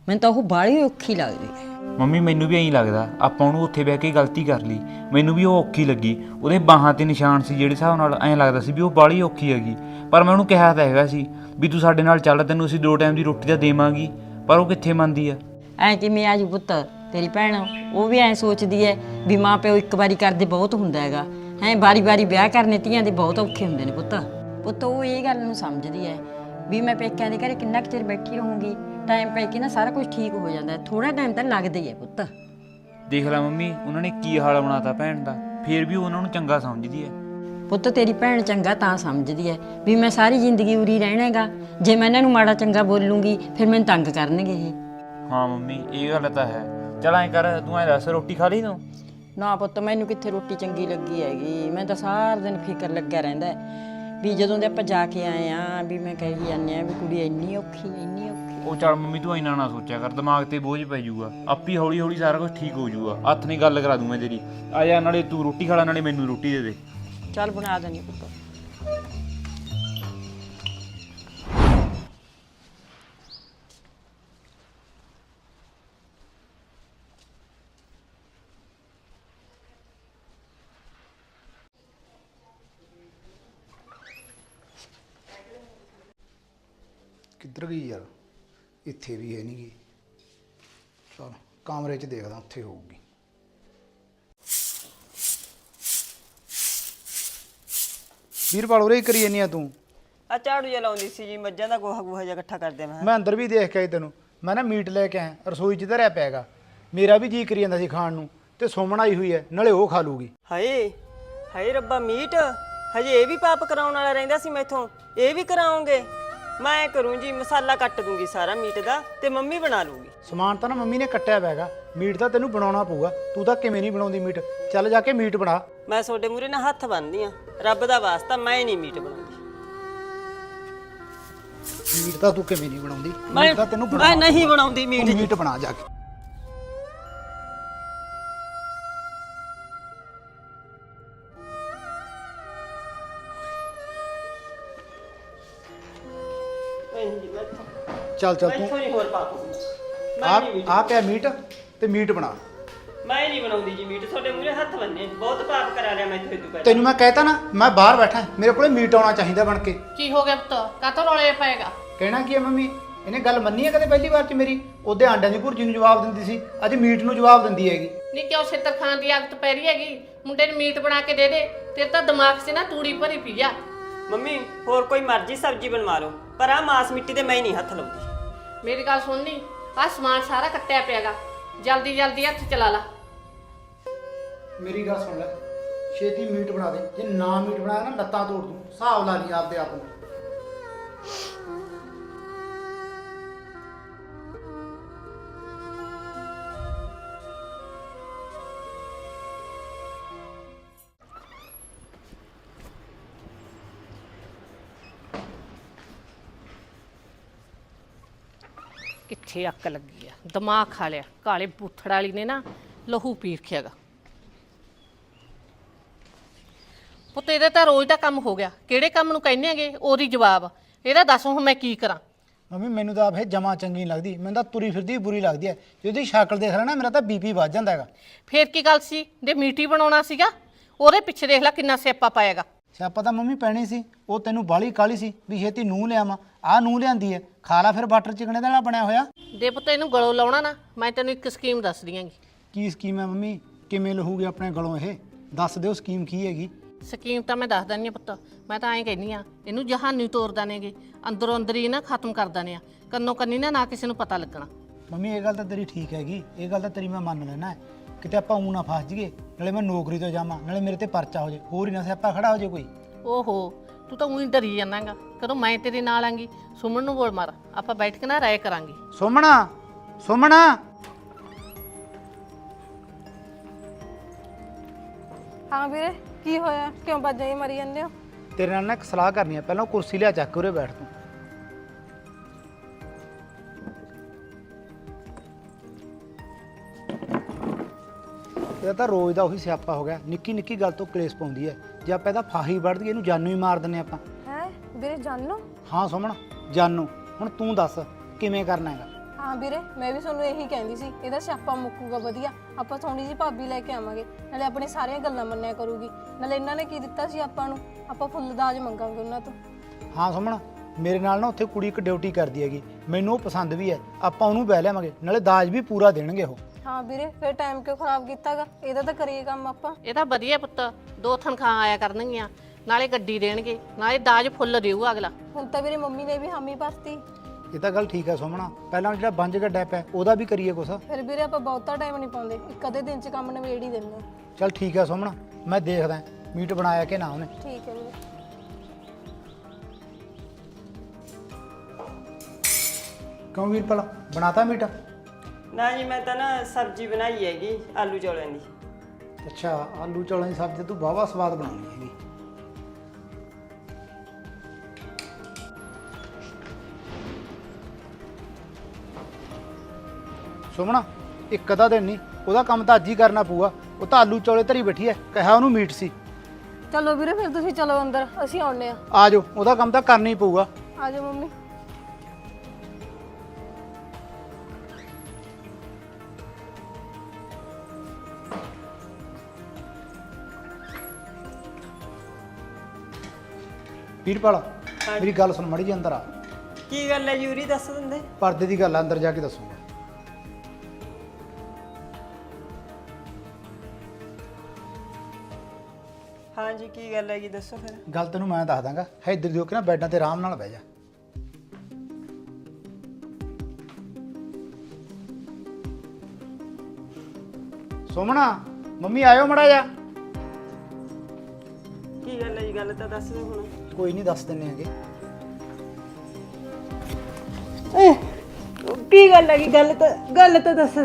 Speaker 7: ਮੈਨੂੰ ਤਾਂ ਉਹ ਬਾਹਲੀ ਔਖੀ ਲੱਗਦੀ ਹੈ।
Speaker 8: ਮੰਮੀ ਮੈਨੂੰ ਵੀ ਐਂ ਲੱਗਦਾ ਆਪਾਂ ਉਹਨੂੰ ਉੱਥੇ ਬਹਿ ਕੇ ਗਲਤੀ ਕਰ ਲਈ। ਮੈਨੂੰ ਵੀ ਉਹ ਔਖੀ ਲੱਗੀ, ਉਹਦੇ ਬਾਹਾਂ ਤੇ ਨਿਸ਼ਾਨ ਸੀ ਜਿਹੜੇ ਹਿਸਾਬ ਨਾਲ ਐਂ ਲੱਗਦਾ ਸੀ ਵੀ ਉਹ ਬਾਹਲੀ ਔਖੀ ਹੈਗੀ। ਪਰ ਮੈਂ ਉਹਨੂੰ ਕਿਹਾ ਤਾਂ ਹੈਗਾ ਸੀ ਵੀ ਤੂੰ ਸਾਡੇ ਨਾਲ ਚੱਲ, ਤੈਨੂੰ ਅਸੀਂ 2 ਟਾਈਮ ਦੀ ਰੋਟੀ ਤਾਂ ਦੇਵਾਂਗੀ, ਪਰ ਉਹ ਕਿੱਥੇ ਮੰਨਦੀ ਆ।
Speaker 7: ਐ ਕਿਵੇਂ ਆਜੂ ਪੁੱਤ, ਤੇਰੀ ਭੈਣ ਉਹ ਵੀ ਐ ਸੋਚਦੀ ਐ ਵੀ ਮਾਂ ਪਿਓ ਇੱਕ ਵਾਰੀ ਕਰਦੇ ਬਹੁਤ ਹੁੰਦਾ ਹੈਗਾ ਹੈ, ਵਾਰੀ-ਵਾਰੀ ਵਿਆਹ ਕਰਨੇ ਧੀਆਂ ਦੇ ਬਹੁਤ ਔਖੇ ਹੁੰਦੇ ਨੇ ਪੁੱਤ ਉਹ ਇਹ ਗੱਲ ਨੂੰ ਸਮਝਦੀ ਐ ਵੀ ਮੈਂ ਪੇਕਿਆਂ ਦੇ ਘਰੇ ਕਿੰਨਾ ਕੁ ਚਿਰ ਬੈਠੀ ਰਹੂੰਗੀ, ਟਾਈਮ ਪੈ ਕੇ ਨਾ ਸਾਰਾ ਕੁਝ ਠੀਕ ਹੋ ਜਾਂਦਾ, ਥੋੜਾ ਟਾਈਮ ਤਾਂ ਲੱਗਦਾ ਹੀ ਐ ਪੁੱਤ।
Speaker 8: ਦੇਖ ਲੈ ਮੰਮੀ, ਉਹਨਾਂ ਨੇ ਕੀ ਹਾਲ ਬਣਾਤਾ ਭੈਣ ਦਾ, ਫੇਰ ਵੀ ਉਹਨਾਂ ਨੂੰ ਚੰਗਾ ਸਮਝਦੀ ਹੈ।
Speaker 7: ਪੁੱਤ ਤੇਰੀ ਭੈਣ ਚੰਗਾ ਤਾਂ ਸਮਝਦੀ ਐ ਵੀ ਮੈਂ ਸਾਰੀ ਜ਼ਿੰਦਗੀ ਉਰੀ ਰਹਿਣਾ ਹੈਗਾ, ਜੇ ਮੈਂ ਇਹਨਾਂ ਨੂੰ ਮਾੜਾ ਚੰਗਾ ਬੋਲੂੰਗੀ ਫਿਰ ਮੈਨੂੰ ਤੰਗ ਕਰਨਗੇ ਇਹ।
Speaker 8: ਹਾਂ ਮੰਮੀ ਇਹ ਗੱਲ ਤਾਂ ਹੈ। ਚਲ ਐਂ ਕਰ, ਤੂੰ ਐਂ ਦੱਸ ਰੋਟੀ ਖਾ ਲਈ ਤੂੰ?
Speaker 7: ਨਾ ਪੁੱਤ ਮੈਨੂੰ ਕਿੱਥੇ ਰੋਟੀ ਚੰਗੀ ਲੱਗੀ ਹੈਗੀ, ਮੈਂ ਤਾਂ ਸਾਰਾ ਦਿਨ ਫਿਕਰ ਲੱਗਿਆ ਰਹਿੰਦਾ ਵੀ ਜਦੋਂ ਦੇ ਆਪਾਂ ਜਾ ਕੇ ਆਏ ਆ ਵੀ ਮੈਂ ਕਹੀ ਜਾਂਦੇ ਆ ਵੀ ਕੁੜੀ ਇੰਨੀ ਔਖੀ।
Speaker 8: ਉਹ ਚੱਲ ਮੰਮੀ ਤੂੰ ਇੰਨਾ ਨਾ ਸੋਚਿਆ ਕਰ, ਦਿਮਾਗ ਤੇ ਬੋਝ ਪੈ ਜਾਊਗਾ, ਆਪੀ ਹੌਲੀ ਹੌਲੀ ਸਾਰਾ ਕੁਝ ਠੀਕ ਹੋ ਜਾਊਗਾ। ਹੱਥ ਨਹੀਂ ਗੱਲ ਕਰਾ ਦੂੰ ਮੈਂ ਤੇਰੀ। ਆ ਜਾ, ਨਾਲੇ ਤੂੰ ਰੋਟੀ ਖਾ ਲੈ, ਨਾਲੇ ਮੈਨੂੰ ਰੋਟੀ ਦੇ ਦੇ।
Speaker 7: ਚੱਲ ਬਣਾ ਦੇਣੀ ਪੁੱਤ।
Speaker 2: ਕਿੱਧਰ ਗਈ ਯਾਰ? ਇੱਥੇ ਵੀ ਹੈ ਨਹੀਂ ਗੀ। ਚਲ ਕਮਰੇ 'ਚ ਦੇਖਦਾ, ਉੱਥੇ ਹੋਊਗੀ। ਵੀਰਪਾਲ ਉਰੇ ਹੀ ਕਰੀ ਜਾਨੀ ਆ ਤੂੰ?
Speaker 3: ਆ ਝਾੜੂ ਜਿਹਾ ਲਾਉਂਦੀ ਸੀ ਜੀ, ਮੱਝਾਂ ਦਾ ਗੋਹਾ ਜਿਹਾ ਇਕੱਠਾ ਕਰਦੇ
Speaker 2: ਮੈਂ ਅੰਦਰ ਵੀ ਦੇਖ ਕੇ ਆਈ ਤੈਨੂੰ। ਮੈਂ ਨਾ ਮੀਟ ਲੈ ਕੇ ਆਇਆ, ਰਸੋਈ 'ਚ ਧਰਿਆ ਪਿਆ ਹੈਗਾ। ਮੇਰਾ ਵੀ ਜੀ ਕਰੀ ਜਾਂਦਾ ਸੀ ਖਾਣ ਨੂੰ, ਤੇ ਸੁਮਨ ਆਈ ਹੋਈ ਹੈ, ਨਾਲੇ ਉਹ ਖਾ ਲੂਗੀ।
Speaker 3: ਹਾਏ ਹਾਏ ਰੱਬਾ, ਮੀਟ ਹਜੇ ਇਹ ਵੀ ਪਾਪ ਕਰਾਉਣ ਵਾਲਾ ਰਹਿੰਦਾ ਸੀ ਮੈਥੋਂ, ਇਹ ਵੀ ਕਰਾਉਂਗੇ? ਮੈਂ ਕਰੂੰ ਜੀ, ਮਸਾਲਾ ਕੱਟ ਦੂੰਗੀ ਸਾਰਾ ਮੀਟ ਦਾ, ਤੇ ਮੰਮੀ ਬਣਾ ਲੂਗੀ।
Speaker 2: ਸਮਾਨ ਤਾਂ ਨਾ ਮੰਮੀ ਨੇ ਕੱਟਿਆ ਪਿਆ ਹੈਗਾ, ਮੀਟ ਤਾਂ ਤੈਨੂੰ ਬਣਾਉਣਾ ਪਊਗਾ। ਤੂੰ ਤਾਂ ਕਿਵੇਂ ਨਹੀਂ ਬਣਾਉਂਦੀ ਮੀਟ? ਚੱਲ ਜਾ ਕੇ ਮੀਟ ਬਣਾ।
Speaker 3: ਮੈਂ ਤੁਹਾਡੇ ਮੂਹਰੇ ਨਾਲ ਹੱਥ ਬੰਨ੍ਹਦੀ ਆ, ਰੱਬ ਦਾ ਵਾਸਤਾ ਮੈਂ ਨਹੀਂ ਮੀਟ ਬਣਾਉਂਦੀ।
Speaker 2: ਮੀਟ ਤਾਂ ਤੂੰ ਕਿਵੇਂ ਨਹੀਂ ਬਣਾਉਂਦੀ?
Speaker 3: ਮੈਂ
Speaker 2: ਮੀਟ ਤਾਂ ਤੈਨੂੰ
Speaker 3: ਮੈਂ ਨਹੀਂ ਬਣਾਉਂਦੀ ਮੀਟ
Speaker 2: ਤੂੰ
Speaker 3: ਜੀ।
Speaker 2: ਮੀਟ ਬਣਾ ਜਾ ਕੇ। ਚੱਲ ਚੱਲ ਤੂੰ
Speaker 3: ਨਹੀਂ ਹੋਰ ਪਾਪ ਹੁੰਦਾ।
Speaker 2: ਆ ਪਿਆ ਮੀਟ, ਤੇ ਮੀਟ ਬਣਾ।
Speaker 3: ਮੈਂ ਨਹੀਂ ਬਣਾਉਂਦੀ ਜੀ ਮੀਟ, ਤੁਹਾਡੇ ਮੂਹਰੇ ਹੱਥ ਬੰਨੇ, ਬਹੁਤ ਪਾਪ ਕਰਾ ਲਿਆ ਮੈਥੋਂ ਇਹ ਤੋਂ ਪਹਿਲਾਂ।
Speaker 2: ਤੈਨੂੰ ਮੈਂ ਕਹਿਤਾ ਨਾ, ਮੈਂ ਬਾਹਰ ਬੈਠਾ, ਮੇਰੇ ਕੋਲੇ ਮੀਟ ਆਉਣਾ ਚਾਹੀਦਾ ਬਣ ਕੇ।
Speaker 4: ਕੀ ਹੋ ਗਿਆ ਪੁੱਤ, ਕਾਤੋਂ ਰੌਲੇ ਪਏਗਾ?
Speaker 2: ਕਹਿਣਾ ਕੀ ਹੈ ਮੰਮੀ? ਇਹਨੇ ਗੱਲ ਮੰਨੀ ਹੈ ਕਦੇ ਪਹਿਲੀ ਵਾਰ ਚ ਮੇਰੀ? ਉਹਦੇ ਆਂਡਿਆਂ ਦੀ ਭੁਰਜੀ ਨੂੰ ਜਵਾਬ ਦਿੰਦੀ ਸੀ, ਅੱਜ ਮੀਟ ਨੂੰ ਜਵਾਬ ਦਿੰਦੀ ਹੈਗੀ।
Speaker 4: ਨਹੀਂ ਕਿਉਂ ਛਿੱਤਰ ਖਾਣ ਦੀ ਆਦਤ ਪੈ ਰਹੀ ਹੈਗੀ? ਮੁੰਡੇ ਨੂੰ ਮੀਟ ਬਣਾ ਕੇ ਦੇ ਦੇ, ਤੇਰੇ ਤਾਂ ਦਿਮਾਗ 'ਚ ਨਾ ਤੂੜੀ ਭਰੀ ਪਈ ਆ।
Speaker 3: ਮੰਮੀ ਹੋਰ ਕੋਈ ਮਰਜ਼ੀ ਸਬਜ਼ੀ ਬਣਵਾ ਲਓ, ਪਰ ਆ ਮਾਸ ਮਿੱਟੀ ਤੇ ਮੈਂ ਨਹੀਂ ਹੱਥ ਲਾਉਂਦੀ।
Speaker 4: ਮੇਰੀ ਗੱਲ ਸੁਣ ਲਈ, ਆਹ ਸਮਾਨ ਸਾਰਾ ਕੱਟਿਆ ਪਿਆਗਾ, ਜਲਦੀ ਜਲਦੀ ਹੱਥ ਚਲਾ ਲਾ।
Speaker 2: ਮੇਰੀ ਗੱਲ ਸੁਣ ਲੈ, ਛੇਤੀ ਮੀਟ ਬਣਾ ਦੇ। ਜੇ ਨਾ ਮੀਟ ਬਣਾਇਆ ਨਾ ਲੱਤਾਂ ਤੋੜ ਦੂੰ। ਹਿਸਾਬ ਲਾ ਲਈ ਆਪਦੇ ਆਪ ਨੂੰ।
Speaker 4: ਕਿੱਥੇ ਅੱਕ ਲੱਗੀ ਆ, ਦਿਮਾਗ ਖਾ ਲਿਆ ਕਾਲੇ ਬੂਥੜ ਵਾਲੀ ਨੇ ਨਾ, ਲਹੂ ਪੀ ਰੱਖਿਆਗਾ। ਪੁੱਤ ਇਹਦਾ ਤਾਂ ਰੋਜ਼ ਦਾ ਕੰਮ ਹੋ ਗਿਆ, ਕਿਹੜੇ ਕੰਮ ਨੂੰ ਕਹਿੰਦੇ ਹੈਗੇ ਉਹਦੀ ਜਵਾਬ। ਇਹਦਾ ਦੱਸ ਹੁਣ ਮੈਂ ਕੀ ਕਰਾਂ?
Speaker 2: ਮੰਮੀ ਮੈਨੂੰ ਤਾਂ ਆਪ ਇਹ ਜਮਾ ਚੰਗੀ ਨਹੀਂ ਲੱਗਦੀ, ਮੈਨੂੰ ਤਾਂ ਤੁਰੀ ਫਿਰਦੀ ਬੁਰੀ ਲੱਗਦੀ ਹੈ। ਜੇ ਉਹਦੀ ਸ਼ਕਲ ਦੇਖ ਲੈ ਨਾ, ਮੇਰਾ ਤਾਂ ਬੀਪੀ ਵੱਧ ਜਾਂਦਾ ਹੈਗਾ।
Speaker 4: ਫੇਰ ਕੀ ਗੱਲ ਸੀ, ਜੇ ਮੀਟੀ ਬਣਾਉਣਾ ਸੀਗਾ ਉਹਦੇ ਪਿੱਛੇ ਦੇਖ ਲੈ ਕਿੰਨਾ ਸਿਆਪਾ ਪਾਏਗਾ।
Speaker 2: ਸਿਆਪਾ ਤਾਂ ਮੰਮੀ ਪੈਣੀ ਸੀ, ਉਹ ਤੈਨੂੰ ਬਾਲੀ ਕਾਲੀ ਸੀ ਵੀ ਛੇਤੀ ਨੂੰਹ ਲਿਆਵਾਂ। ਆਹ ਨੂੰਹ ਲਿਆਂਦੀ ਹੈ, ਖਾ ਲਾ ਫਿਰ ਬਟਰ ਚਿਕਨੇ ਦਾ ਨਾਲ ਬਣਿਆ ਹੋਇਆ।
Speaker 4: ਦੇ ਪੁੱਤ ਇਹਨੂੰ ਗਲੋਂ ਲਾਉਣਾ ਨਾ, ਮੈਂ ਤੈਨੂੰ ਇੱਕ ਸਕੀਮ ਦੱਸਦੀ ਆਂਗੀ।
Speaker 2: ਕੀ ਸਕੀਮ ਹੈ ਮੰਮੀ? ਕਿਵੇਂ ਲਹੂਗੀ ਆਪਣੇ ਗਲੋਂ ਇਹ? ਦੱਸ ਦਿਓ ਸਕੀਮ ਕੀ ਹੈਗੀ।
Speaker 4: ਸਕੀਮ ਤਾਂ ਮੈਂ ਦੱਸ ਦਿੰਦੀ ਹਾਂ ਪੁੱਤ, ਮੈਂ ਤਾਂ ਐਂ ਕਹਿੰਦੀ ਆ, ਇਹਨੂੰ ਜਹਾਨੀ ਤੋਰ ਦਾਨੇਗੇ, ਅੰਦਰੋਂ ਅੰਦਰ ਹੀ ਨਾ ਖਤਮ ਕਰ ਦਾਨੇ ਆ, ਕੰਨੋਂ ਕੰਨੀ ਨਾ ਕਿਸੇ ਨੂੰ ਪਤਾ ਲੱਗਣਾ।
Speaker 2: ਮੰਮੀ ਇਹ ਗੱਲ ਤਾਂ ਤੇਰੀ ਠੀਕ ਹੈਗੀ, ਇਹ ਗੱਲ ਤਾਂ ਤੇਰੀ ਮੈਂ ਮੰਨ ਲੈਣਾ। ਕਿਤੇ ਆਪਾਂ ਊਂ ਨਾ ਫਸ ਜਾਈਏ, ਨਾਲੇ ਮੈਂ ਨੌਕਰੀ ਤੋਂ ਜਾਵਾਂ, ਨਾਲੇ ਮੇਰੇ ਤੇ ਪਰਚਾ ਹੋ ਜੇ, ਹੋਰ ਹੀ ਨਾ ਸਿਆਪਾ ਖੜਾ ਹੋ ਜੇ ਕੋਈ।
Speaker 4: ਓਹੋ ਤੂੰ ਤਾਂ ਉਹੀ ਡਰੀ ਜਾਣਾਗਾ, ਕਦੋਂ ਮੈਂ ਤੇਰੇ ਨਾਲ ਆਂਗੀ। ਸੁਮਨ ਨੂੰ ਬੋਲ ਮਾਰ, ਆਪਾਂ ਬੈਠ ਕੇ ਨਾ ਰਾਏ ਕਰਾਂਗੇ।
Speaker 2: ਸੁਮਣਾ, ਸੁਮਣਾ।
Speaker 1: ਹਾਂ ਵੀਰੇ, ਕੀ ਹੋਇਆ? ਕਿਉਂ ਬਾਜਾਂ ਹੀ ਮਾਰੀ ਜਾਂਦੇ ਹੋ?
Speaker 2: ਤੇਰੇ ਨਾਲ ਨਾ ਇੱਕ ਸਲਾਹ ਕਰਨੀ ਹੈ, ਪਹਿਲਾਂ ਕੁਰਸੀ ਲਿਆ ਚੱਕ ਕੇ ਉਰੇ ਬੈਠ ਤੂੰ। ਇਹ ਤਾਂ ਰੋਜ਼ ਦਾ ਉਹੀ ਸਿਆਪਾ ਹੋ ਗਿਆ, ਨਿੱਕੀ ਨਿੱਕੀ ਗੱਲ ਤੋਂ ਕਲੇਸ਼ ਪਾਉਂਦੀ ਹੈ। ਜੇ ਆਪਾਂ ਇਹਦਾ ਫਾਹੀ ਵੱਢ ਦਈਏ, ਇਹਨੂੰ ਜਾਨੋਂ ਹੀ ਮਾਰ ਦਿੰਨੇ ਆਪਾਂ।
Speaker 1: ਹੈ ਵੀਰੇ, ਜਾਨੋ?
Speaker 2: ਹਾਂ ਸੁਮਣ, ਜਾਨੋਂ। ਹੁਣ ਤੂੰ ਦੱਸ ਕਿਵੇਂ ਕਰਨਾ ਹੈਗਾ?
Speaker 1: ਹਾਂ ਵੀਰੇ ਮੈਂ ਵੀ ਤੁਹਾਨੂੰ ਇਹੀ ਕਹਿੰਦੀ ਸੀ, ਇਹਦਾ ਸਿਆਪਾ ਮੁੱਕੂਗਾ ਵਧੀਆ। ਆਪਾਂ ਸੋਹਣੀ ਜੀ ਭਾਬੀ ਲੈ ਕੇ ਆਵਾਂਗੇ, ਨਾਲੇ ਆਪਣੀ ਸਾਰੀਆਂ ਗੱਲਾਂ ਮੰਨਿਆ ਕਰੂਗੀ। ਨਾਲੇ ਇਹਨਾਂ ਨੇ ਕੀ ਦਿੱਤਾ ਸੀ ਆਪਾਂ ਨੂੰ, ਆਪਾਂ ਫੁੱਲ ਦਾਜ ਮੰਗਾਂਗੇ ਉਹਨਾਂ ਤੋਂ।
Speaker 2: ਹਾਂ ਸੁਮਨ, ਮੇਰੇ ਨਾਲ ਨਾ ਉੱਥੇ ਕੁੜੀ ਇੱਕ ਡਿਊਟੀ ਕਰਦੀ ਹੈਗੀ, ਮੈਨੂੰ ਉਹ ਪਸੰਦ ਵੀ ਹੈ। ਆਪਾਂ ਉਹਨੂੰ ਬਹਿ ਲਿਆਵਾਂਗੇ, ਨਾਲੇ ਦਾਜ ਵੀ ਪੂਰਾ ਦੇਣਗੇ ਉਹ।
Speaker 1: ਹਾਂ ਵੀਰੇ ਫਿਰ ਟਾਈਮ ਕਿਉਂ ਖਰਾਬ ਕੀਤਾਗਾ, ਇਹਦਾ ਤਾਂ ਕਰੀਏ ਕੰਮ ਆਪਾਂ।
Speaker 4: ਇਹ ਤਾਂ ਵਧੀਆ ਪੁੱਤ, 2 ਤਨਖਾਹਾਂ ਆਇਆ ਕਰਨਗੀਆਂ, ਨਾਲੇ ਗੱਡੀ ਦੇਣਗੇ, ਨਾਲੇ ਦਾਜ ਫੁੱਲ ਦੇਊ ਅਗਲਾ।
Speaker 1: ਹੁਣ ਤਾਂ ਵੀਰੇ ਮੰਮੀ ਨੇ ਵੀ ਹਾਮੀ ਭਰਤੀ।
Speaker 2: ਇਹ ਤਾਂ ਗੱਲ ਠੀਕ ਹੈ ਸੁਮਨਾ, ਪਹਿਲਾਂ ਜਿਹੜਾ ਬੰਜ ਗੱਡਾ ਪਿਆ ਉਹਦਾ ਵੀ ਕਰੀਏ ਕੁਛ।
Speaker 1: ਫਿਰ ਵੀਰੇ ਆਪਾਂ ਬਹੁਤਾ ਟਾਈਮ ਨਹੀਂ ਪਾਉਂਦੇ, ਇੱਕ ਅੱਧੇ ਦਿਨ 'ਚ ਕੰਮ ਨਿਬੇੜ ਹੀ ਦਿੰਦੇ।
Speaker 2: ਚੱਲ ਠੀਕ ਹੈ ਸੁਮਨਾ, ਮੈਂ ਦੇਖਦਾ ਮੀਟ ਬਣਾਇਆ ਕਿ ਨਾ ਉਹਨੇ।
Speaker 1: ਠੀਕ ਹੈ ਵੀਰੇ।
Speaker 2: ਕਿਉਂ ਵੀਰਪਾਲ, ਬਣਾਤਾ ਮੀਟ?
Speaker 3: ਨਾ ਜੀ ਮੈਂ ਤਾਂ ਨਾ ਸਬਜ਼ੀ ਬਣਾਈ ਹੈਗੀ ਆਲੂ ਚੌਲਾਂ ਦੀ।
Speaker 2: ਅੱਛਾ, ਆਲੂ ਚੌਲਾਂ ਦੀ ਸਬਜ਼ੀ ਤੂੰ ਵਾਹਵਾ ਸਵਾਦ ਬਣਾਉਣੀ ਹੈਗੀ। ਸੁਮਣਾ, ਇੱਕ ਅੱਧਾ ਦਿਨ ਨਹੀਂ, ਉਹਦਾ ਕੰਮ ਤਾਂ ਅੱਜ ਹੀ ਕਰਨਾ ਪਊਗਾ। ਉਹ ਤਾਂ ਆਲੂ ਚੌਲੇ ਧਰੀ ਬੈਠੀ ਹੈ, ਕਿਹਾ ਉਹਨੂੰ ਮੀਟ ਸੀ।
Speaker 1: ਚਲੋ ਵੀਰੇ ਫਿਰ ਤੁਸੀਂ ਚਲੋ ਅੰਦਰ, ਅਸੀਂ ਆਉਣੇ ਆ।
Speaker 2: ਆ ਜਾਓ, ਉਹਦਾ ਕੰਮ ਤਾਂ ਕਰਨਾ ਹੀ ਪਊਗਾ।
Speaker 1: ਆ ਜਾਓ ਮੰਮੀ।
Speaker 2: ਵੀਰਪਾਲ ਮੇਰੀ ਗੱਲ ਸੁਣ ਮਾੜੀ ਜੀ, ਅੰਦਰ ਆ।
Speaker 3: ਕੀ ਗੱਲ ਹੈ ਯੂਰੀ, ਦੱਸ ਦਿੰਦੇ।
Speaker 2: ਪਰਦੇ ਦੀ ਗੱਲ ਆ, ਅੰਦਰ ਜਾ ਕੇ ਦੱਸੂਗਾ।
Speaker 3: ਹਾਂਜੀ ਕੀ ਗੱਲ ਹੈਗੀ, ਦੱਸੋ ਫਿਰ।
Speaker 2: ਗੱਲ ਤੈਨੂੰ ਮੈਂ ਦੱਸ ਦਾਂਗਾ, ਹੈ ਇੱਧਰ ਦੀ ਹੋ ਕੇ ਨਾ ਬੈੱਡਾਂ ਤੇ ਆਰਾਮ ਨਾਲ ਬਹਿ ਜਾ। ਸੋਮਣਾ, ਮੰਮੀ ਆਇਓ ਮੜਾ ਜਾ।
Speaker 3: ਕੀ ਗੱਲ ਹੈ ਜੀ, ਗੱਲ ਤਾਂ ਦੱਸ ਦਿਓ ਹੁਣ।
Speaker 2: ਕੋਈ ਨਹੀਂ, ਦੱਸ ਦਿੰਨੇ ਹੈਗੇ।
Speaker 3: ਕੀ ਗੱਲ ਹੈਗੀ, ਗੱਲ ਤਾਂ ਦੱਸ।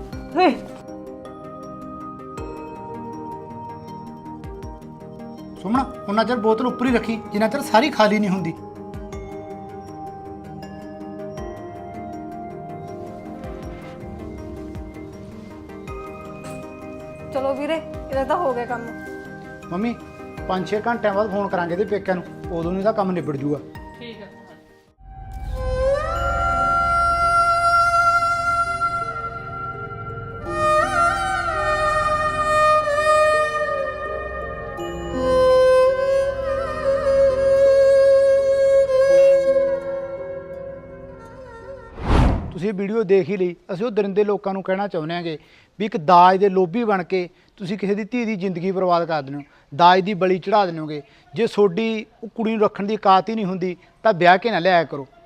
Speaker 2: ਸੋਮਣਾ, ਉਹਨਾਂ ਚਿਰ ਬੋਤਲ ਉੱਪਰ ਹੀ ਰੱਖੀ ਜਿੰਨਾ ਚਿਰ ਸਾਰੀ ਖਾਲੀ ਨਹੀਂ ਹੁੰਦੀ।
Speaker 1: ਚਲੋ ਵੀਰੇ, ਇਹਦਾ ਤਾਂ ਹੋ ਗਿਆ ਕੰਮ।
Speaker 2: ਮੰਮੀ 5-6 ਘੰਟਿਆਂ ਬਾਅਦ ਫੋਨ ਕਰਾਂਗੇ ਇਹਦੇ ਪੇਕਿਆਂ ਨੂੰ, ਉਦੋਂ ਨੂੰ ਇਹਦਾ ਕੰਮ ਨਿਬੜ ਜੂਗਾ।
Speaker 4: ਠੀਕ ਹੈ।
Speaker 2: ਤੁਸੀਂ ਇਹ ਵੀਡੀਓ ਦੇਖ ਹੀ ਲਈ। ਅਸੀਂ ਉਹ ਦਰਿੰਦੇ ਲੋਕਾਂ ਨੂੰ ਕਹਿਣਾ ਚਾਹੁੰਦੇ ਹਾਂਗੇ ਵੀ ਇੱਕ ਦਾਜ ਦੇ ਲੋਭੀ ਬਣ ਕੇ ਤੁਸੀਂ ਕਿਸੇ ਦੀ ਧੀ ਦੀ ਜ਼ਿੰਦਗੀ ਬਰਬਾਦ ਕਰ ਦਿੰਦੇ ਹੋ, ਦਾਜ ਦੀ ਬਲੀ ਚੜਾ ਦਿੰਦੇ ਹੋਗੇ। ਜੇ ਤੁਹਾਡੀ ਉਹ ਕੁੜੀ ਨੂੰ ਰੱਖਣ ਦੀ ਔਕਾਤ ਹੀ ਨਹੀਂ ਹੁੰਦੀ ਤਾਂ ਵਿਆਹ ਕੇ ਨਾ ਲਿਆਇਆ ਕਰੋ।